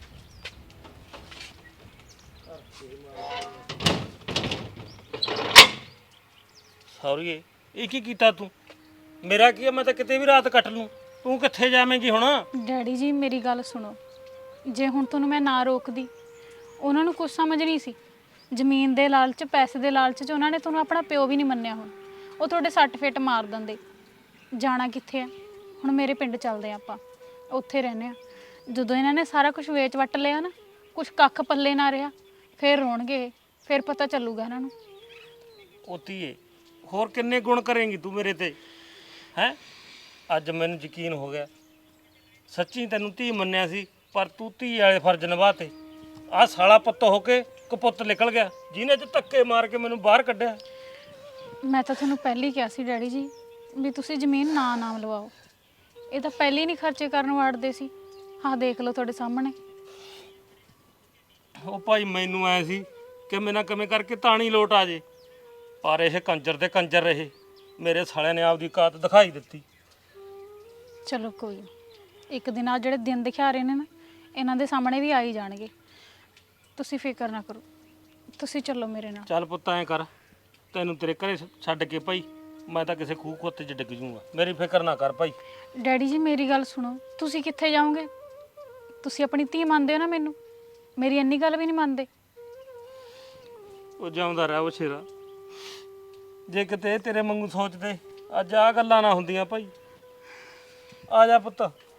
ਸੌਰੀਏ ਇਹ ਕੀ ਕੀਤਾ ਤੂੰ ਮੇਰਾ ਕੀ ਹੈ ਮੈਂ ਤਾਂ ਕਿਤੇ ਵੀ ਰਾਤ ਕੱਟ ਲੂੰ ਤੂੰ ਕਿੱਥੇ ਜਾਵੇਂਗੀ ਹੁਣ
ਡੈਡੀ ਜੀ ਮੇਰੀ ਗੱਲ ਸੁਣੋ ਜੇ ਹੁਣ ਤੁਹਾਨੂੰ ਮੈਂ ਨਾ ਰੋਕਦੀ ਉਹਨਾਂ ਨੂੰ ਕੁਝ ਸਮਝ ਨਹੀਂ ਸੀ ਜ਼ਮੀਨ ਦੇ ਲਾਲਚ ਪੈਸੇ ਦੇ ਲਾਲਚ 'ਚ ਉਹਨਾਂ ਨੇ ਤੁਹਾਨੂੰ ਆਪਣਾ ਪਿਓ ਵੀ ਨਹੀਂ ਮੰਨਿਆ ਹੁਣ ਉਹ ਤੁਹਾਡੇ ਸੱਟ ਫੇਟ ਮਾਰ ਦਿੰਦੇ ਜਾਣਾ ਕਿੱਥੇ ਆ ਹੁਣ ਮੇਰੇ ਪਿੰਡ ਚੱਲਦੇ ਆ ਆਪਾਂ ਉੱਥੇ ਰਹਿੰਦੇ ਆ ਜਦੋਂ ਇਹਨਾਂ ਨੇ ਸਾਰਾ ਕੁਝ ਵੇਚ ਵੱਟ ਲਿਆ ਨਾ ਕੁਝ ਕੱਖ ਪੱਲੇ ਨਾ ਰਿਹਾ ਫਿਰ ਰੋਣਗੇ ਫਿਰ ਪਤਾ ਚੱਲੂਗਾ ਇਹਨਾਂ ਨੂੰ
ਉਤੀਏ ਹੋਰ ਕਿੰਨੇ ਗੁਣ ਕਰੇਂਗੀ ਤੂੰ ਮੇਰੇ ਤੇ ਹੈ ਅੱਜ ਮੈਨੂੰ ਯਕੀਨ ਹੋ ਗਿਆ ਸੱਚੀ ਤੈਨੂੰ ਧੀ ਮੰਨਿਆ ਸੀ ਪਰ ਤੂੰ ਧੀ ਵਾਲੇ ਫਰਜ਼ ਨਿਭਾਤੇ ਆਹ ਸਾਲਾ ਪੁੱਤ ਹੋ ਕੇ ਕਪੁੱਤ ਨਿਕਲ ਗਿਆ ਜਿਹਨੇ ਅੱਜ ਧੱਕੇ ਮਾਰ ਕੇ ਮੈਨੂੰ ਬਾਹਰ ਕੱਢਿਆ
ਮੈਂ ਤਾਂ ਤੁਹਾਨੂੰ ਪਹਿਲਾਂ ਹੀ ਕਿਹਾ ਸੀ ਡੈਡੀ ਜੀ ਵੀ ਤੁਸੀਂ ਜ਼ਮੀਨ ਨਾਮ ਲਵਾਓ ਇਹ ਤਾਂ ਪਹਿਲਾਂ ਹੀ ਨਹੀਂ ਖਰਚੇ ਕਰਨ ਵਾੜਦੇ ਸੀ ਆਹ ਦੇਖ ਲਓ ਤੁਹਾਡੇ ਸਾਹਮਣੇ
ਉਹ ਭਾਈ ਮੈਨੂੰ ਐ ਸੀ ਕਿ ਮੈਨਾਂ ਕਿਵੇਂ ਕਰਕੇ ਤਾਣੀ ਲੋਟ ਆ ਜੇ ਪਰ ਇਹ ਕੰਜਰ ਦੇ ਕੰਜਰ ਰਹੇ ਮੇਰੇ ਸਾਲਿਆਂ ਨੇ ਆਪਦੀ ਕਾਤ ਦਿਖਾਈ ਦਿੱਤੀ
ਚਲੋ ਕੋਈ ਨੀ। ਇੱਕ ਦਿਨ ਆ ਜਿਹੜੇ ਦਿਨ ਦਿਖਾ ਰਹੇ ਨੇ ਨਾ ਇਹਨਾਂ ਦੇ ਸਾਹਮਣੇ ਵੀ ਆ ਹੀ ਜਾਣਗੇ ਤੁਸੀਂ ਫਿਕਰ ਨਾ ਕਰੋ ਤੁਸੀਂ ਚੱਲੋ ਮੇਰੇ ਨਾਲ
ਚੱਲ ਪੁੱਤ ਐਂ ਕਰ ਤੈਨੂੰ ਤੇਰੇ ਘਰੇ ਛੱਡ ਕੇ ਭਾਈ ਮੈਂ ਤਾਂ ਕਿਸੇ ਖੂਹ ਖੋਤੇ 'ਚ ਡਿੱਗ ਜੂੰਗਾ ਮੇਰੀ ਫਿਕਰ ਨਾ ਕਰ ਭਾਈ
ਡੈਡੀ ਜੀ ਮੇਰੀ ਗੱਲ ਸੁਣੋ ਤੁਸੀਂ ਕਿੱਥੇ ਜਾਓਗੇ ਤੁਸੀਂ ਆਪਣੀ ਧੀ ਮੰਨਦੇ ਹੋ ਨਾ ਮੈਨੂੰ ਮੇਰੀ ਇੰਨੀ ਗੱਲ ਵੀ ਨਹੀਂ ਮੰਨਦੇ
ਉਹ ਜਾਉਂਦਾ ਰਹਿ ਉਹ ਸ਼ੇਰਾ ਜੇ ਕਿਤੇ ਤੇਰੇ ਵਾਂਗੂ ਸੋਚਦੇ ਅੱਜ ਆਹ ਗੱਲਾਂ ਨਾ ਹੁੰਦੀਆਂ ਭਾਈ ਆ ਜਾ ਪੁੱਤ